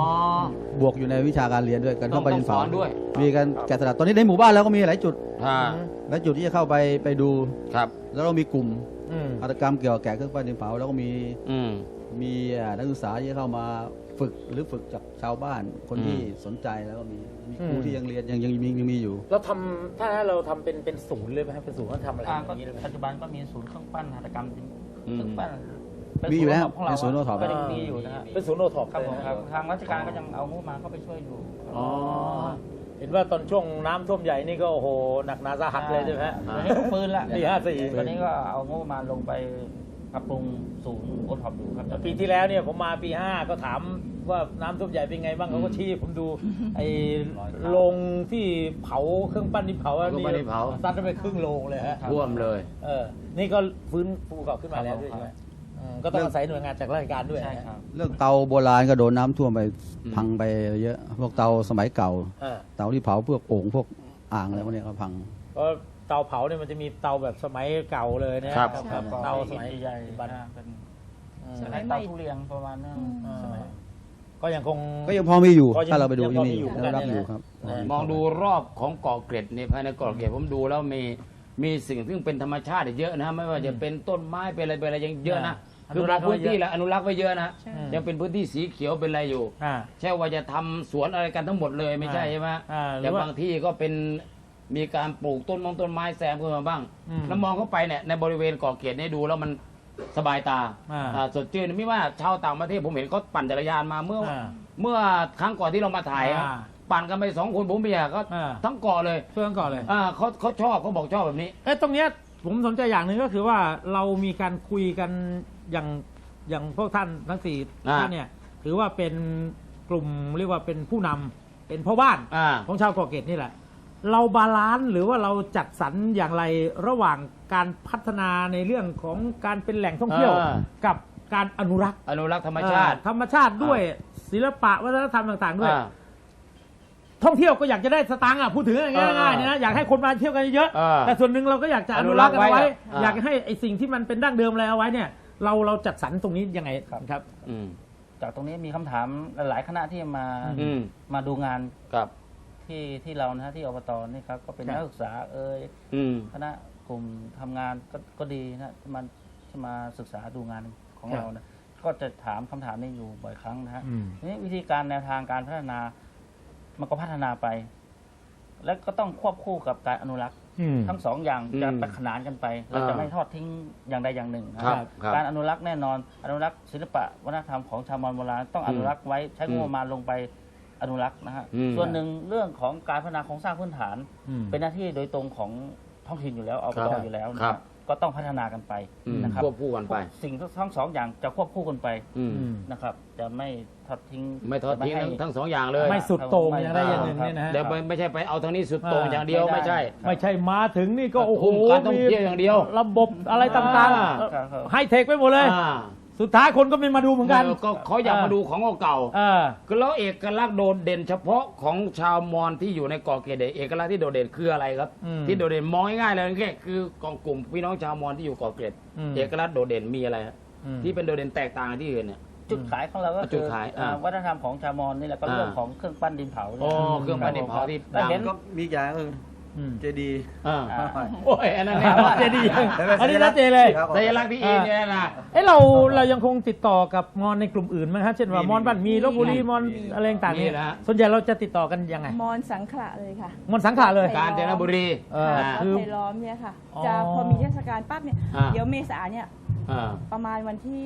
[SPEAKER 5] วกอยู่ในวิชาการเรียนด้วยการเข้าไป
[SPEAKER 1] ต้
[SPEAKER 5] ดิ
[SPEAKER 1] อง
[SPEAKER 5] นเผา
[SPEAKER 1] สอนด้วย
[SPEAKER 5] มีการแกะสลักตอนนี้ในหมู่บ้านเราก็มีหลายจุด
[SPEAKER 1] อ่า
[SPEAKER 5] หลายจุดที่จะเข้าไปดู
[SPEAKER 1] ครับ
[SPEAKER 5] แล้วเรามีกลุ่ม
[SPEAKER 2] อืม
[SPEAKER 5] หัตถกรรมเกี่ยวกับแกะเครื่องปั้นดินเผาแล้วก็มี
[SPEAKER 1] อืม
[SPEAKER 5] นักศึกษาที่เข้ามาฝึกหรือฝึกจากชาวบ้านคนที่
[SPEAKER 1] อืม
[SPEAKER 5] สนใจแล้วก็มีครูที่ยังเรียนยังมีอยู่
[SPEAKER 2] เราทำถ้าเราทำเป็นศูนย์เลยไหมครับเป็นศูนย์เขาทำอะไรอ
[SPEAKER 6] ก็
[SPEAKER 2] ย่างนี้เลยไหม
[SPEAKER 6] ปัจจุบันก็มีศูนย์เครื่องปั้นหัตถกรรมเครื่องปั้นเป็น
[SPEAKER 5] มีอยู่แล้ว
[SPEAKER 6] ของเรา
[SPEAKER 5] เป็นศูนย์โอท็อป
[SPEAKER 6] ก็ยังมีอยู่นะฮะ
[SPEAKER 2] เป็นศูนย์โอท็อป
[SPEAKER 6] ครับ
[SPEAKER 2] เลย
[SPEAKER 6] ผม
[SPEAKER 2] นะครับ
[SPEAKER 6] ทางราชการก็ยังเอางบมาเข้าไปช่วยอยู่
[SPEAKER 2] อ๋อเห็นว่าตอนช่วงน้ำท่วมใหญ่นี่ก็โอ้โหหนักหนาสาหัสเลยใช่ไหมฮะ
[SPEAKER 6] ตอนนี้ก็ฟื้นละ
[SPEAKER 2] ปี54
[SPEAKER 6] ตอนนี้ก็เอางบประมาณลงไปปรับปรุงศูนย์โอท็อปอยู่ครับ
[SPEAKER 2] ปีที่แล้วเนี่ยผมมาปี 5 ก็ถามว่าน้ำท่วมใหญ่เป็นไงบ้างเขาก็ชี้ผมดูไอ้โรงที่เผาเครื่องปั้นดินเผาอัน
[SPEAKER 1] เครื่องปั้นดินเผา
[SPEAKER 2] ซัดไปครึ่งโรงเลยฮะ
[SPEAKER 1] ท่วมเลย
[SPEAKER 2] นี่ก็ฟื้นฟูกลับขึ้นมาแล้วด้วยใช่ไหมก็ต้องอาศัยหน่วยงานจากราชการด้วย
[SPEAKER 6] ใช่ครับ
[SPEAKER 5] เรื่องเตาโบราณก็โดนน้ำท่วมไปพังไปเยอะ พวกเตาสมัยเก่า
[SPEAKER 2] อ่า
[SPEAKER 5] เตาที่เผาพวกโอ่งพวกอ่างอะไรพวกเนี้ยก็พัง
[SPEAKER 2] เพราะเตาเผาเนี่ยมันจะมีเตาแบบสมัยเก่าเลยนะครับ
[SPEAKER 4] ครับ
[SPEAKER 2] เตาสมัย
[SPEAKER 6] ใหญ่
[SPEAKER 2] บัน
[SPEAKER 6] เป็น
[SPEAKER 4] สมัยใหม่
[SPEAKER 6] เตาทุเรียนประมาณนั้นสมัย
[SPEAKER 2] ก็ยังคง
[SPEAKER 5] ก็ยังพอมีอยู่
[SPEAKER 2] ก็ยัง
[SPEAKER 5] ถ้าเราไปดู
[SPEAKER 2] ยัง
[SPEAKER 5] ยั
[SPEAKER 2] พ
[SPEAKER 5] ง
[SPEAKER 2] อ
[SPEAKER 5] มี
[SPEAKER 2] มี
[SPEAKER 5] อยู่
[SPEAKER 2] อยู่
[SPEAKER 5] ยังรับ
[SPEAKER 2] เหมือนกัน
[SPEAKER 5] อยู่ครับ
[SPEAKER 2] นะ
[SPEAKER 1] มองดูรอบของเกาะเกร็ดเนี่ยภายในเกาะเกร็ดผมดูแล้วมีสิ่งซึ่งเป็นธรรมชาติเยอะนะไม่ว่าจะเป็นต้นไม้เป็นอะไรยังเยอะนะ
[SPEAKER 2] อ
[SPEAKER 1] คือ
[SPEAKER 2] นุรักษ์ไว้
[SPEAKER 1] พื้นที่
[SPEAKER 2] เยอะ
[SPEAKER 1] แหละอนุรักษ์ไว้เยอะนะ
[SPEAKER 4] ใช่
[SPEAKER 1] ยังเป็นพื้นที่สีเขียวเป็นอะไรอยู่
[SPEAKER 2] อ่า
[SPEAKER 1] ใช่ว่าจะทำสวนอะไรกันทั้งหมดเลยไม่ใช่ใช่ไหม
[SPEAKER 2] หรื
[SPEAKER 1] แต่
[SPEAKER 2] อว่า
[SPEAKER 1] บางที่ก็เป็นมีการปลูกต้นไม้แซมขึ้นมาบ้าง
[SPEAKER 2] อืม
[SPEAKER 1] แล้วมองเข้าไปเนี่ยในบริเวณเกาะเกร็ดเนี่ยดูแล้วมันสบายตา สดชื่นไม่ว่าชาวต่างประเทศผมเห็นเขาปั่นจักรยานมาเมื่อครั้งก่อนที่เรามาถ่ายอะ
[SPEAKER 2] อ่า
[SPEAKER 1] ปั่นกันไป2 คนผมเบียร์ก็
[SPEAKER 2] อ่า
[SPEAKER 1] ทั้งเกาะเลย
[SPEAKER 2] เพื่อนก่อนเลย
[SPEAKER 1] เขาชอบเขาบอกชอบแบบนี้
[SPEAKER 2] ตรงเนี้ยผมสนใจอย่างหนึ่งก็คือว่าเรามีการคุยกันอย่างพวกท่านทั้งสี่
[SPEAKER 1] อ่า
[SPEAKER 2] ท่านเนี่ยถือว่าเป็นกลุ่มเรียกว่าเป็นผู้นำเป็นพ่อบ้าน
[SPEAKER 1] อ่า
[SPEAKER 2] ของชาวเกาะเกร็ดนี่แหละ เราบาลานซ์หรือว่าเราจัดสรรอย่างไรระหว่างการพัฒนาในเรื่องของการเป็นแหล่งท่องเที่ยว กับการอนุรักษ์
[SPEAKER 1] อนุรักษ์ธรรมชาติ
[SPEAKER 2] ธรรมชาติด้วยศิลปะวัฒนธรรมต่างๆด้วย
[SPEAKER 1] อ่า
[SPEAKER 2] ท่องเที่ยวก็อยากจะได้สตางค์พูดถึงง่ายๆนะอยากให้คนมาเที่ยวกันเยอะ
[SPEAKER 1] เออ
[SPEAKER 2] แต่ส่วนหนึ่งเราก็อยากจะอนุรักษ์กันเอาไว้
[SPEAKER 1] อนุรักษ์ไว้อ่า
[SPEAKER 2] อยากให้ไอ้สิ่งที่มันเป็นดั้งเดิมอะไรเอาไว้เนี่ยเราจัดสรรตรงนี้ยังไงครับ
[SPEAKER 1] อืม
[SPEAKER 6] จากตรงนี้มีคำถามหลายๆคณะที่มา
[SPEAKER 1] อืม
[SPEAKER 6] มาดูงาน
[SPEAKER 1] กับ
[SPEAKER 6] ที่เรานะฮะที่อบตนี่ครับก็เป็น
[SPEAKER 2] ครับ
[SPEAKER 6] นักศึกษา
[SPEAKER 1] อืม
[SPEAKER 6] คณะกลุ่มทำงานก็ดีนะที่มาศึกษาดูงานของเรานะก็จะถามคำถามนี้อยู่บ่อยครั้งนะฮะ ทีนี้วิธีการแนวทางการพัฒนามันก็พัฒนาไป และก็ต้องควบคู่กับการอนุรักษ์ทั้งสองอย่างจะ
[SPEAKER 1] อืม
[SPEAKER 6] ไปขนานกันไป เราจะไม่ทอดทิ้งอย่างใดอย่างหนึ่งนะครับ
[SPEAKER 1] ครับ
[SPEAKER 6] การอนุรักษ์แน่นอนอนุรักษ์ศิลปะวัฒนธรรมของชาวมอญโบราณต้องอนุรักษ์ไว้ใช้งบประมาณลงไปอนุรักษ์นะฮะ
[SPEAKER 1] อืม
[SPEAKER 6] ส่วนหนึ่งเรื่องของการพัฒนาโครงสร้างพื้นฐาน
[SPEAKER 2] อืม
[SPEAKER 6] เป็นหน้าที่โดยตรงของท้องถิ่นอยู่แล้วอบ
[SPEAKER 1] ครั
[SPEAKER 6] ต
[SPEAKER 1] บ
[SPEAKER 6] อยู่แล้วนะ
[SPEAKER 1] ค
[SPEAKER 6] ค
[SPEAKER 1] รั
[SPEAKER 6] รับ บก็ต้องพัฒนากันไป
[SPEAKER 1] อืม
[SPEAKER 6] นะครับ
[SPEAKER 1] ควบคู่กันไป
[SPEAKER 6] สิ่งทั้งสองอย่างจะควบคู่กันไป
[SPEAKER 1] อืม
[SPEAKER 6] นะครับ จะไม่ทอดทิ้ง
[SPEAKER 1] ไม่ทอดทิ้ง
[SPEAKER 6] จะ
[SPEAKER 1] ทั้งสองอย่างเลย
[SPEAKER 2] ไม่สุดโต่งอย่างใดอย่างหนึ่งเนี่ยนะฮะ
[SPEAKER 1] เดี๋ยวไม่ใช่ไปเอาทางนี้สุดโต่งอย่างเดียวไม่ใช่
[SPEAKER 2] ไม่ใช่มาถึงนี่ก็โอ้โห
[SPEAKER 1] การท่องเที่ยวอย่างเดียว
[SPEAKER 2] ระบบอะไรต่าง
[SPEAKER 6] ครับ
[SPEAKER 2] ๆให้เทคไปหมดเลย
[SPEAKER 1] อ่า
[SPEAKER 2] สุดท้ายคนก็ไม่มาดูเหมือนกัน
[SPEAKER 1] ก็เขาอยากมาดูของเก่า
[SPEAKER 2] เออ
[SPEAKER 1] ๆคือแล้วเอกลักษณ์โดดเด่นเฉพาะของชาวมอญที่อยู่ในเกาะเกร็ดเนี่ยเอกลักษณ์ที่โดดเด่นคืออะไรครับ
[SPEAKER 2] อืม
[SPEAKER 1] ที่โดดเด่นมองง่ายๆเลยแค่คือกองกลุ่มพี่น้องชาวมอญที่อยู่เกาะเกร็ด
[SPEAKER 2] อืม
[SPEAKER 1] เอกลักษณ์โดดเด่นมีอะไรฮะ
[SPEAKER 2] อืม
[SPEAKER 1] ที่เป็นโดดเด่นแตกต่างจากที่อื่นเนี่ย
[SPEAKER 6] จุดขายของเราก็
[SPEAKER 1] จุ
[SPEAKER 6] คื
[SPEAKER 1] ด
[SPEAKER 6] อ
[SPEAKER 1] ขาย
[SPEAKER 6] วัฒนธรรมของชาวมอญนี่แหละก็
[SPEAKER 1] อ่า
[SPEAKER 6] เรื่องของเครื่องปั้นดินเผาเนี่ย
[SPEAKER 1] อ๋อเครื่องปั้นดินเผาที่
[SPEAKER 6] แล้วเห็น
[SPEAKER 7] ก็มีอย่างเจดีย์
[SPEAKER 1] อ่า
[SPEAKER 6] อ่า
[SPEAKER 1] โอ้ยอันนั้นเนี่ย
[SPEAKER 2] เจดีย์อันนี้ชัดเจนเลย
[SPEAKER 7] ครับ
[SPEAKER 1] สัญลักษณ์ที่อินเนี่ยนะ
[SPEAKER 2] เอ้เรายังคงติดต่อกับมอญในกลุ่มอื่นไหมครับเช่นว่ามอญบ้านมีลพบุรีมอญอะไรต่างๆ
[SPEAKER 1] มี
[SPEAKER 2] เนี่ย
[SPEAKER 1] นะฮะ
[SPEAKER 2] ส่วนใหญ่เราจะติดต่อกันยังไง
[SPEAKER 4] มอนสังขละเลยค่ะ
[SPEAKER 2] มอญสังขารเลย
[SPEAKER 1] กาญจนบุรี
[SPEAKER 2] เออ
[SPEAKER 4] ค่ะ
[SPEAKER 2] คือ
[SPEAKER 4] ไทยล้อมเนี่ยค่ะ
[SPEAKER 2] อ๋อ
[SPEAKER 4] จะพอมีเทศกาลปั๊บเนี่ย
[SPEAKER 1] อ่า
[SPEAKER 4] เดี๋ยวเมษาเนี่ย
[SPEAKER 1] อ่า
[SPEAKER 4] ประมาณวันที่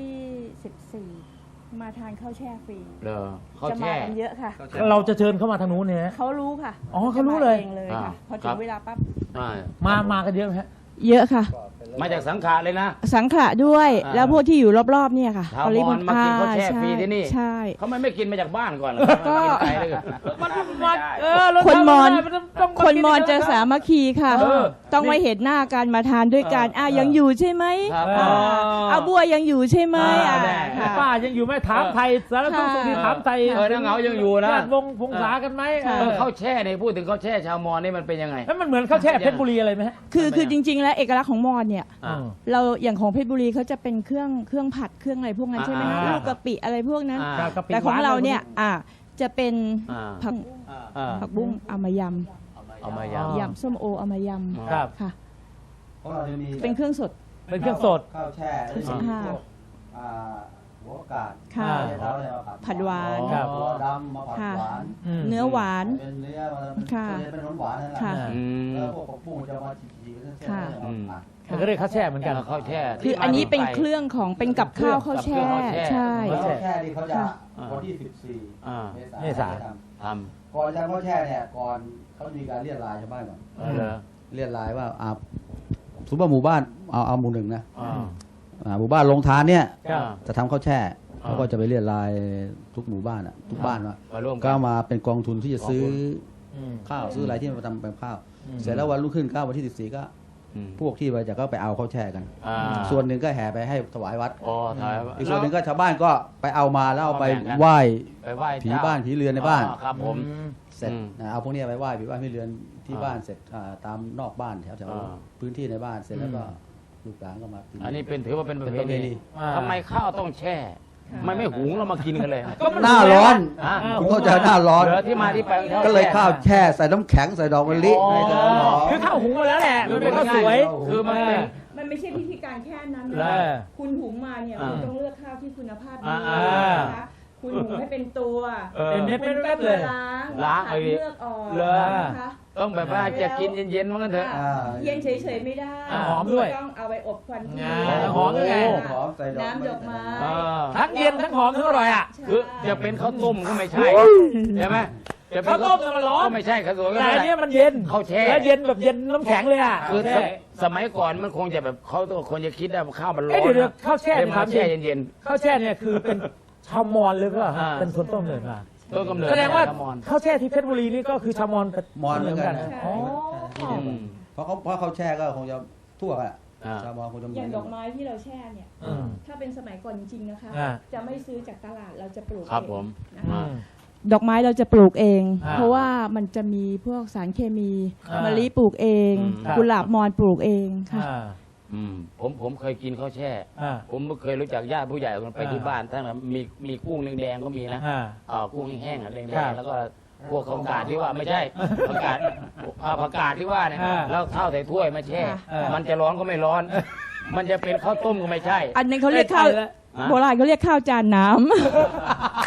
[SPEAKER 4] 14 มาทานข้าวแช่ฟรี
[SPEAKER 1] เหรอเขา
[SPEAKER 4] จะมา
[SPEAKER 1] แช่
[SPEAKER 4] กันเยอะค่ะ
[SPEAKER 2] เราจะเชิญเข้ามาทางนู้นเนี่ย
[SPEAKER 4] เขารู้ค่ะ
[SPEAKER 2] อ๋อเขารู้เลย
[SPEAKER 4] จะมองค่ะ พอ
[SPEAKER 1] ค
[SPEAKER 4] ถึ
[SPEAKER 1] รั
[SPEAKER 4] ง
[SPEAKER 1] บ
[SPEAKER 4] เวลาปั๊บ
[SPEAKER 1] อ่า
[SPEAKER 2] มากันเยอะไหมฮะ
[SPEAKER 4] เยอะค่ะ
[SPEAKER 1] มาจากสังขารเลยนะ
[SPEAKER 4] สังขละด้วย
[SPEAKER 1] อ่า
[SPEAKER 4] แล้วพวกที่อยู่รอบๆเนี่ยค่ะ
[SPEAKER 1] ชาวมอญมากินข้าวแช่ฟรีที่นี่
[SPEAKER 4] ใช่
[SPEAKER 1] เขาไม่กินมาจากบ้านก่อนเหรอ
[SPEAKER 4] ก็
[SPEAKER 1] กินไกลเลย
[SPEAKER 4] คนมอญ
[SPEAKER 2] ต้อง
[SPEAKER 4] คนมอญจะสามัคคีค่ะ
[SPEAKER 1] เออ
[SPEAKER 4] ต้องไว้เห็นหน้ากันมาทานด้วยกันยังอยู่ใช่ไหม
[SPEAKER 1] ครับ
[SPEAKER 2] อ๋อ
[SPEAKER 4] บัวยังอยู่ใช่ไหม
[SPEAKER 1] แน่
[SPEAKER 4] ค่ะ
[SPEAKER 2] ป้ายังอยู่ไหมถามไทยสารทุกข์สุขดีถามไทย
[SPEAKER 1] น้าเหงายังอยู่นะ
[SPEAKER 2] ญาติวงพงษากันไหม
[SPEAKER 4] ค่ะ
[SPEAKER 1] ข้าวแช่เนี่ยพูดถึงข้าวแช่ชาวมอญนี่มันเป็นยังไง
[SPEAKER 2] แล้วมันเหมือนข้าวแช่เพชรบุรีอะไรไหมฮะ
[SPEAKER 4] คือจริง ๆ แล้วเอกลักษณ์ของมอญเนี่ย
[SPEAKER 1] อ่า
[SPEAKER 4] เราอย่างของเพชรบุรีเขาจะเป็นเครื่องผัดเครื่องอะไรพวกนั้นใช่ไหมคะ
[SPEAKER 1] อ่า
[SPEAKER 4] ลูกกะปิอะไรพวกนั้น
[SPEAKER 1] อ่า
[SPEAKER 2] กะปิ
[SPEAKER 4] แต่ของเราเนี่ย
[SPEAKER 2] หวาน
[SPEAKER 4] จะเป็น
[SPEAKER 1] อ่า
[SPEAKER 4] ผัก
[SPEAKER 1] อ่า
[SPEAKER 4] ผักบุ้งเอามาย
[SPEAKER 1] เอามาย
[SPEAKER 2] อ๋อ
[SPEAKER 4] ำยำส้มโอเอามาย
[SPEAKER 2] ครับ
[SPEAKER 4] ำค่ะ
[SPEAKER 5] เพราะเราจะมี
[SPEAKER 4] เป็นเครื่องสด
[SPEAKER 2] เป็นเครื่องสด
[SPEAKER 5] ข้าวแช่แล้วจะมีพวกหัวกาด
[SPEAKER 4] ค่ะ
[SPEAKER 5] แล้วเนี่ยมา
[SPEAKER 4] ผัดหวาน
[SPEAKER 2] ครับ
[SPEAKER 5] หัวดำมาผัดหวาน
[SPEAKER 2] อืม
[SPEAKER 4] เนื้อหวาน
[SPEAKER 5] เป็นเนื้อมาเป็น
[SPEAKER 4] ค่ะ
[SPEAKER 5] เป็นหวานๆนั่นแหละ
[SPEAKER 4] ค่ะ
[SPEAKER 1] อืม
[SPEAKER 5] แล้วพวกผักบุ้งจะมาจีๆเป็นเส้นๆ
[SPEAKER 4] ค่ะ
[SPEAKER 5] แล้วเอาผัด
[SPEAKER 2] มันก็เรียกข้าวแช่เหมือนกัน
[SPEAKER 1] ข้าวแช่
[SPEAKER 4] คืออันนี้เป็นเครื่องของเป็นกับข้าวข้าวแช่
[SPEAKER 1] กับเครื่องข้าวแช่
[SPEAKER 4] ใช่
[SPEAKER 5] ข้าวแช่นี่เขาจะ
[SPEAKER 4] ค่ะ
[SPEAKER 5] วันที่
[SPEAKER 1] อ่า
[SPEAKER 5] 14
[SPEAKER 2] เมษา
[SPEAKER 5] ท
[SPEAKER 1] ท
[SPEAKER 5] ำก่อนจะทำข้าวแช่เนี่ยก่อนเขามีการเรียกรายชาวบ้านก่อน
[SPEAKER 1] ำเหรอ
[SPEAKER 5] เรียกรายว่าสมมติว่าหมู่บ้านเอาหมู่หนึ่งนะ
[SPEAKER 1] อ่า
[SPEAKER 5] หมู่บ้านลงทานเนี่ย
[SPEAKER 2] ครับ
[SPEAKER 5] จะทำข้าวแช่
[SPEAKER 1] อ่า
[SPEAKER 5] เขาก็จะไปเรียกรายทุกหมู่บ้านอ่ะทุกบ้านว่า
[SPEAKER 1] มาร่วม
[SPEAKER 5] ก็
[SPEAKER 1] กัน
[SPEAKER 5] มาเป็นกองทุนที่จะซื้อ
[SPEAKER 2] อืม
[SPEAKER 5] ข้าวซื้ออะไรที่มาทำเป็นข้าว
[SPEAKER 2] อืม
[SPEAKER 5] เสร็จแล้ววันรุ่งขึ้นวันที่ 14 ก็
[SPEAKER 1] อืม
[SPEAKER 5] พวกที่ไปจะก็ไปเอาข้าวแช่กัน
[SPEAKER 1] อ่า
[SPEAKER 5] ส่วนหนึ่งก็แห่ไปให้ถวายวัด
[SPEAKER 1] อ๋อถ่าย
[SPEAKER 5] อีกส่วนหนึ่งก็ชาวบ้านก็ไปเอามาแล้วเอาไป
[SPEAKER 1] เอาแบ่งกัน
[SPEAKER 5] ไหว้
[SPEAKER 1] ไปไหว้
[SPEAKER 5] ผี
[SPEAKER 1] เจ้
[SPEAKER 5] บ้านผีเรือนในบ้าน
[SPEAKER 1] อ๋อครับผม
[SPEAKER 5] เสร็จ
[SPEAKER 1] อืม
[SPEAKER 5] เอาพวกเนี้ยไปไหว้ผีบ้านผีเรือนที่
[SPEAKER 1] อ่า
[SPEAKER 5] บ้านเสร็จตามนอกบ้านแถว
[SPEAKER 1] อ่า
[SPEAKER 5] พื้นที่ในบ้านเสร็จแล้วก็ลูกหลานก็มากิน
[SPEAKER 1] อันนี้เป็นถือว่าเป็นประเพ
[SPEAKER 5] เป็นประเพณี
[SPEAKER 1] ณีทำไมข้าวต้องแช่ไม่หุงเรามากินกันเลย
[SPEAKER 5] หน้าร้อน
[SPEAKER 1] อ่ะ
[SPEAKER 5] คุณเข้าใจหน้าร้อน
[SPEAKER 1] เหลือที่มาที่ไปของ
[SPEAKER 5] ก็เลยข้าวแช่ใส่น้ำแข็งใส่ดอกมะลิ
[SPEAKER 1] อ๋อ
[SPEAKER 5] ให้เธอหอม
[SPEAKER 2] คือข้าวหุงมาแล้วแหละมันเป็นข้าวสวย
[SPEAKER 1] คือมันเป็น
[SPEAKER 4] มันไม่ใช่พิธีการแค่นั้น
[SPEAKER 1] แล้
[SPEAKER 4] นะ
[SPEAKER 1] ว
[SPEAKER 4] คุณหุงมาเนี่ย
[SPEAKER 1] อ่า
[SPEAKER 4] คุณต้องเลือกข้าวที่คุณภาพดี
[SPEAKER 1] อ่า
[SPEAKER 4] นะคะคุณหุงให้เป็นตัว
[SPEAKER 1] เออ
[SPEAKER 2] เป็นเม็ด
[SPEAKER 4] คุณต้อง
[SPEAKER 2] เลย
[SPEAKER 4] มาล้าง
[SPEAKER 1] ไป
[SPEAKER 4] ขัดเลือกออก
[SPEAKER 1] เหรอ
[SPEAKER 4] นะคะ
[SPEAKER 1] ต้องแบบว่าจะกินเย็นๆมันกันเถอะ
[SPEAKER 5] อ่า
[SPEAKER 4] เย็นเฉยๆไม่ได้
[SPEAKER 2] อ่าหอมด้วย
[SPEAKER 4] ต้องเอาไปอบควันเทีย
[SPEAKER 2] อ่าน หอมด้วยไง
[SPEAKER 5] หอมใส่ดอก
[SPEAKER 4] น้ำดอกไม้
[SPEAKER 1] อ่า
[SPEAKER 2] ทั้งเย็นทั้งหอมทั้งอร่อยอ่ะ
[SPEAKER 4] ใช่
[SPEAKER 1] คือจะเป็นข้าวต้มก็ไม่ใช่ใช่ไหมจะเป็น
[SPEAKER 2] ข้าวต้มเนี่ยมันร้อน
[SPEAKER 1] ก็ไม่ใช่ข้าวสวยก็
[SPEAKER 2] แต่
[SPEAKER 1] ไม่
[SPEAKER 2] อัน
[SPEAKER 1] ใช่
[SPEAKER 2] เนี้ยมันเย็น
[SPEAKER 1] ข้าวแช่
[SPEAKER 2] และเย็นแบบเย็นน้ำแข็งเลยอ่ะ
[SPEAKER 1] คือ
[SPEAKER 2] แช่
[SPEAKER 1] สมัยก่อนมันคงจะแบบเขาต้องคนจะคิดว่าข้าวมันร้
[SPEAKER 2] เอ้
[SPEAKER 1] อย น
[SPEAKER 2] เดี๋ยวๆข้าวแช่
[SPEAKER 1] เลย
[SPEAKER 2] เนี่ย
[SPEAKER 1] มา
[SPEAKER 2] ถามจริ
[SPEAKER 1] แช่
[SPEAKER 2] ง
[SPEAKER 1] เย็น
[SPEAKER 2] ข้าวแช่เนี่ยคือเป็นชาวมอญเลยหรือเปล่าฮะ
[SPEAKER 1] อ่า
[SPEAKER 2] เป็นคนต้มเลยมา
[SPEAKER 1] ๆต้นกำเนิด
[SPEAKER 2] แสดงว่า
[SPEAKER 1] ชมอญ
[SPEAKER 2] ข้าวแช่ที่เพชรบุรีนี่ก็คือชาวมอญ
[SPEAKER 5] มอนเหมือนกัน
[SPEAKER 2] อ๋อ
[SPEAKER 1] อืม
[SPEAKER 5] เพราะเขาแช่ก็คงจะทั่วกันอะ
[SPEAKER 1] อ่า
[SPEAKER 5] ชาวมอญคงจะเหมื
[SPEAKER 4] อ
[SPEAKER 5] อน
[SPEAKER 4] ย่าง
[SPEAKER 5] กั
[SPEAKER 4] ดอน กไม้ที่เราแช่เนี่ย
[SPEAKER 2] อืม
[SPEAKER 4] ถ้าเป็นสมัยก่อนจริงๆนะคะ
[SPEAKER 2] อ่า
[SPEAKER 4] จะไม่ซื้อจากตลาดเราจะปลูก
[SPEAKER 1] ครับ
[SPEAKER 4] เอง
[SPEAKER 1] ผม
[SPEAKER 4] นะคะ
[SPEAKER 1] อ่า
[SPEAKER 4] ดอกไม้เราจะปลูกเอง
[SPEAKER 2] อ่า
[SPEAKER 4] เพราะว่ามันจะมีพวกสารเคมี
[SPEAKER 2] อ่าม
[SPEAKER 4] มะลิปลูกเอง
[SPEAKER 2] ครับ
[SPEAKER 4] กุหลาบมอนปลูกเองค่ะ
[SPEAKER 2] อ่า
[SPEAKER 1] อืมผมเคยกินข้าวแช่
[SPEAKER 2] อ่า
[SPEAKER 1] ผมเคยรู้จักญาติผู้ใหญ่คนไปที่บ้านท่านน่ะมีกุ้งแดงๆก็มีนะ
[SPEAKER 2] อ่า
[SPEAKER 1] กุ้งแห้งๆอ่ะแด
[SPEAKER 2] ครั
[SPEAKER 1] ง
[SPEAKER 2] บ
[SPEAKER 1] ๆแล้วก็พวกผักกาดที่ว่าไม่ใช่ผักกาดผักกาดที่ว่าเนี่ย
[SPEAKER 2] อ่า
[SPEAKER 1] แล้วข้าวใส่ถ้วยมาแช่
[SPEAKER 2] อ่ามั
[SPEAKER 1] มันจะร้อนก็ไม่ร้อน มันจะเป็นข้าวต้มก็ไม่ใช่
[SPEAKER 4] อันนี้เขาเรียกข้าว
[SPEAKER 2] ได้
[SPEAKER 1] ฮะ
[SPEAKER 4] โบราณเขาเรียกข้าวจานน้ำ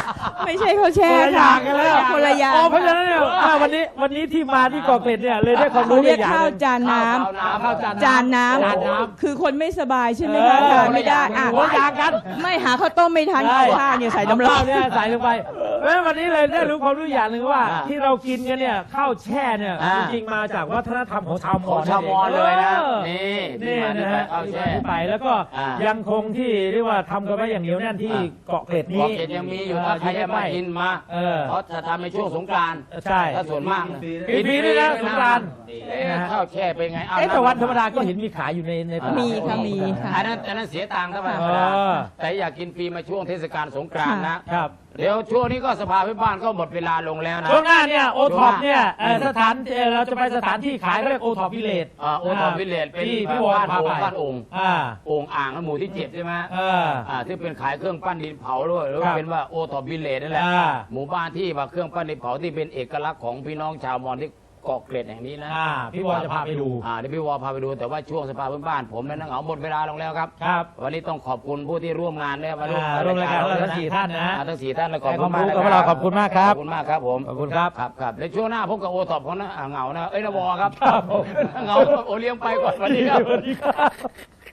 [SPEAKER 4] ไม่ใช่เขาแช่
[SPEAKER 2] คนละอย่างกันแล้ว
[SPEAKER 4] คนละอย่าง
[SPEAKER 2] โอ้เพราะฉะนั้นเนี่ยวันนี้ที่มาที่เกาะเกร็ดเนี่ยเลยได้ความ
[SPEAKER 4] เขา
[SPEAKER 2] รู้
[SPEAKER 4] เรียก
[SPEAKER 2] อย่าง
[SPEAKER 4] ข้าว
[SPEAKER 2] หนึ่ง
[SPEAKER 4] จานน้
[SPEAKER 2] ข้าว
[SPEAKER 4] ำจานน้
[SPEAKER 2] จานน้
[SPEAKER 4] ำคือคนไม่สบายใช่ไหม
[SPEAKER 2] เอ
[SPEAKER 4] คะ
[SPEAKER 2] อ
[SPEAKER 4] ทานไม่ได้อ่ะ
[SPEAKER 2] หัวอยางกัน
[SPEAKER 4] ไม่หาข้าวต้มไม่ทันเอาข้าวเนี่ยใส่น้ำร้อน
[SPEAKER 2] เาข้าวเนี่ยใส่ลงไปเพราะฉะนั้นวันนี้เลยได้รู้ความรู้อย่างหนึ่งว่า
[SPEAKER 1] อ่า
[SPEAKER 2] ที่เรากินกันเนี่ยข้าวแช่เนี่ย
[SPEAKER 1] อ่า
[SPEAKER 2] จริงๆมาจากวัฒนธรรมของชาวม
[SPEAKER 1] ข
[SPEAKER 2] อ
[SPEAKER 1] อง
[SPEAKER 2] ญ
[SPEAKER 1] ชาวมอญเลยนะ
[SPEAKER 2] ออ
[SPEAKER 1] นี่ที่
[SPEAKER 2] นี่
[SPEAKER 1] มาที่
[SPEAKER 2] นะ
[SPEAKER 1] ไป
[SPEAKER 2] ฮะ
[SPEAKER 1] ข้าวแช่
[SPEAKER 2] ที่ไปแล้วก็
[SPEAKER 1] อ่า
[SPEAKER 2] ยังคงที่เรียกว่าทำกันไว้อย่างเหนียวแน่นที่เกาะเกร็ดนี้
[SPEAKER 1] เกาะเกร็ดยังมีอยู่ถ้าใครจะมากินมา
[SPEAKER 2] เออ
[SPEAKER 1] เขาจะทำในช่วงสงกรานต์
[SPEAKER 2] ใช่
[SPEAKER 1] ถ้าส่วนมากนะ
[SPEAKER 2] ปีนี้นะสงกรานต์
[SPEAKER 1] เอ๊ะข้าวแช่เป็นไงเอา
[SPEAKER 2] แต่วันธรรมดาก็เห็นมีขายอยู่ในตลาด
[SPEAKER 4] มีค่ะมีค่ะ
[SPEAKER 1] อันนั้นเสียตังค์ธรรม
[SPEAKER 2] เอ
[SPEAKER 1] ดา
[SPEAKER 2] อ
[SPEAKER 1] แต่อยากกินฟรีมาช่วงเทศกาลสงกรานต์นะ
[SPEAKER 2] ครับ
[SPEAKER 1] เดี๋ยวช่วงนี้ก็สภาพื้นบ้านก็หมดเวลาลงแล้วนะ
[SPEAKER 2] ช่วงหน้าเนี่ยโอท็อปเนี่ย
[SPEAKER 1] ช่วงหน้า
[SPEAKER 2] สถานเราจะไปสถานที่ขายเขาเรียกโอท็อปวิลเลจ
[SPEAKER 1] โอทอมวิลเลจเป็น
[SPEAKER 2] ที่พี่วอ
[SPEAKER 1] บ้าน
[SPEAKER 2] พา
[SPEAKER 1] โอ่
[SPEAKER 2] ไป
[SPEAKER 1] งบ้านโอ่ง
[SPEAKER 2] อ่า
[SPEAKER 1] โอ่งอ่างหมู่ที่7ใช่ไหม
[SPEAKER 2] เออ
[SPEAKER 1] ที่เป็นขายเครื่องปั้นดินเผาด้วยหรือ
[SPEAKER 2] ครั
[SPEAKER 1] ว่า
[SPEAKER 2] บ
[SPEAKER 1] เป็นว่าโอทอมวิลเลจนั่นแหละ
[SPEAKER 2] อ่า
[SPEAKER 1] หมู่บ้านที่ว่าเครื่องปั้นดินเผาที่เป็นเอกลักษณ์ของพี่น้องชาวมอญที่เกาะเกร็ดแห่งนี้นะ
[SPEAKER 2] พี่วอจะพาไปดู
[SPEAKER 1] เดี๋ยวพี่วอพาไปดูแต่ว่าช่วงสภาพื้นบ้านผมและนักเหงาหมดเวลาลงแล้วครับ
[SPEAKER 2] ครับ
[SPEAKER 1] วันนี้ต้องขอบคุณผู้ที่ร่วมงานเนี่ยมาร่วม
[SPEAKER 2] ร่วมรายการเราทั้ง
[SPEAKER 1] ะ
[SPEAKER 2] สี่ท่านนะ
[SPEAKER 1] ทั้ง4ท่านและขอบ
[SPEAKER 2] ให้
[SPEAKER 1] คุณมาก
[SPEAKER 2] ความรู้กับพวกเราขอบคุณมากครับ
[SPEAKER 1] ขอบคุณมากครับผม
[SPEAKER 2] ขอบคุณครับ
[SPEAKER 1] ครับในช่วงหน้าพบกับโอท็อปของนักเหงานะนวอครับ
[SPEAKER 2] ครับผม
[SPEAKER 1] เหงาโอเลี้ยงไปก่อนสวัสดีครับ
[SPEAKER 2] สวัสดีครับ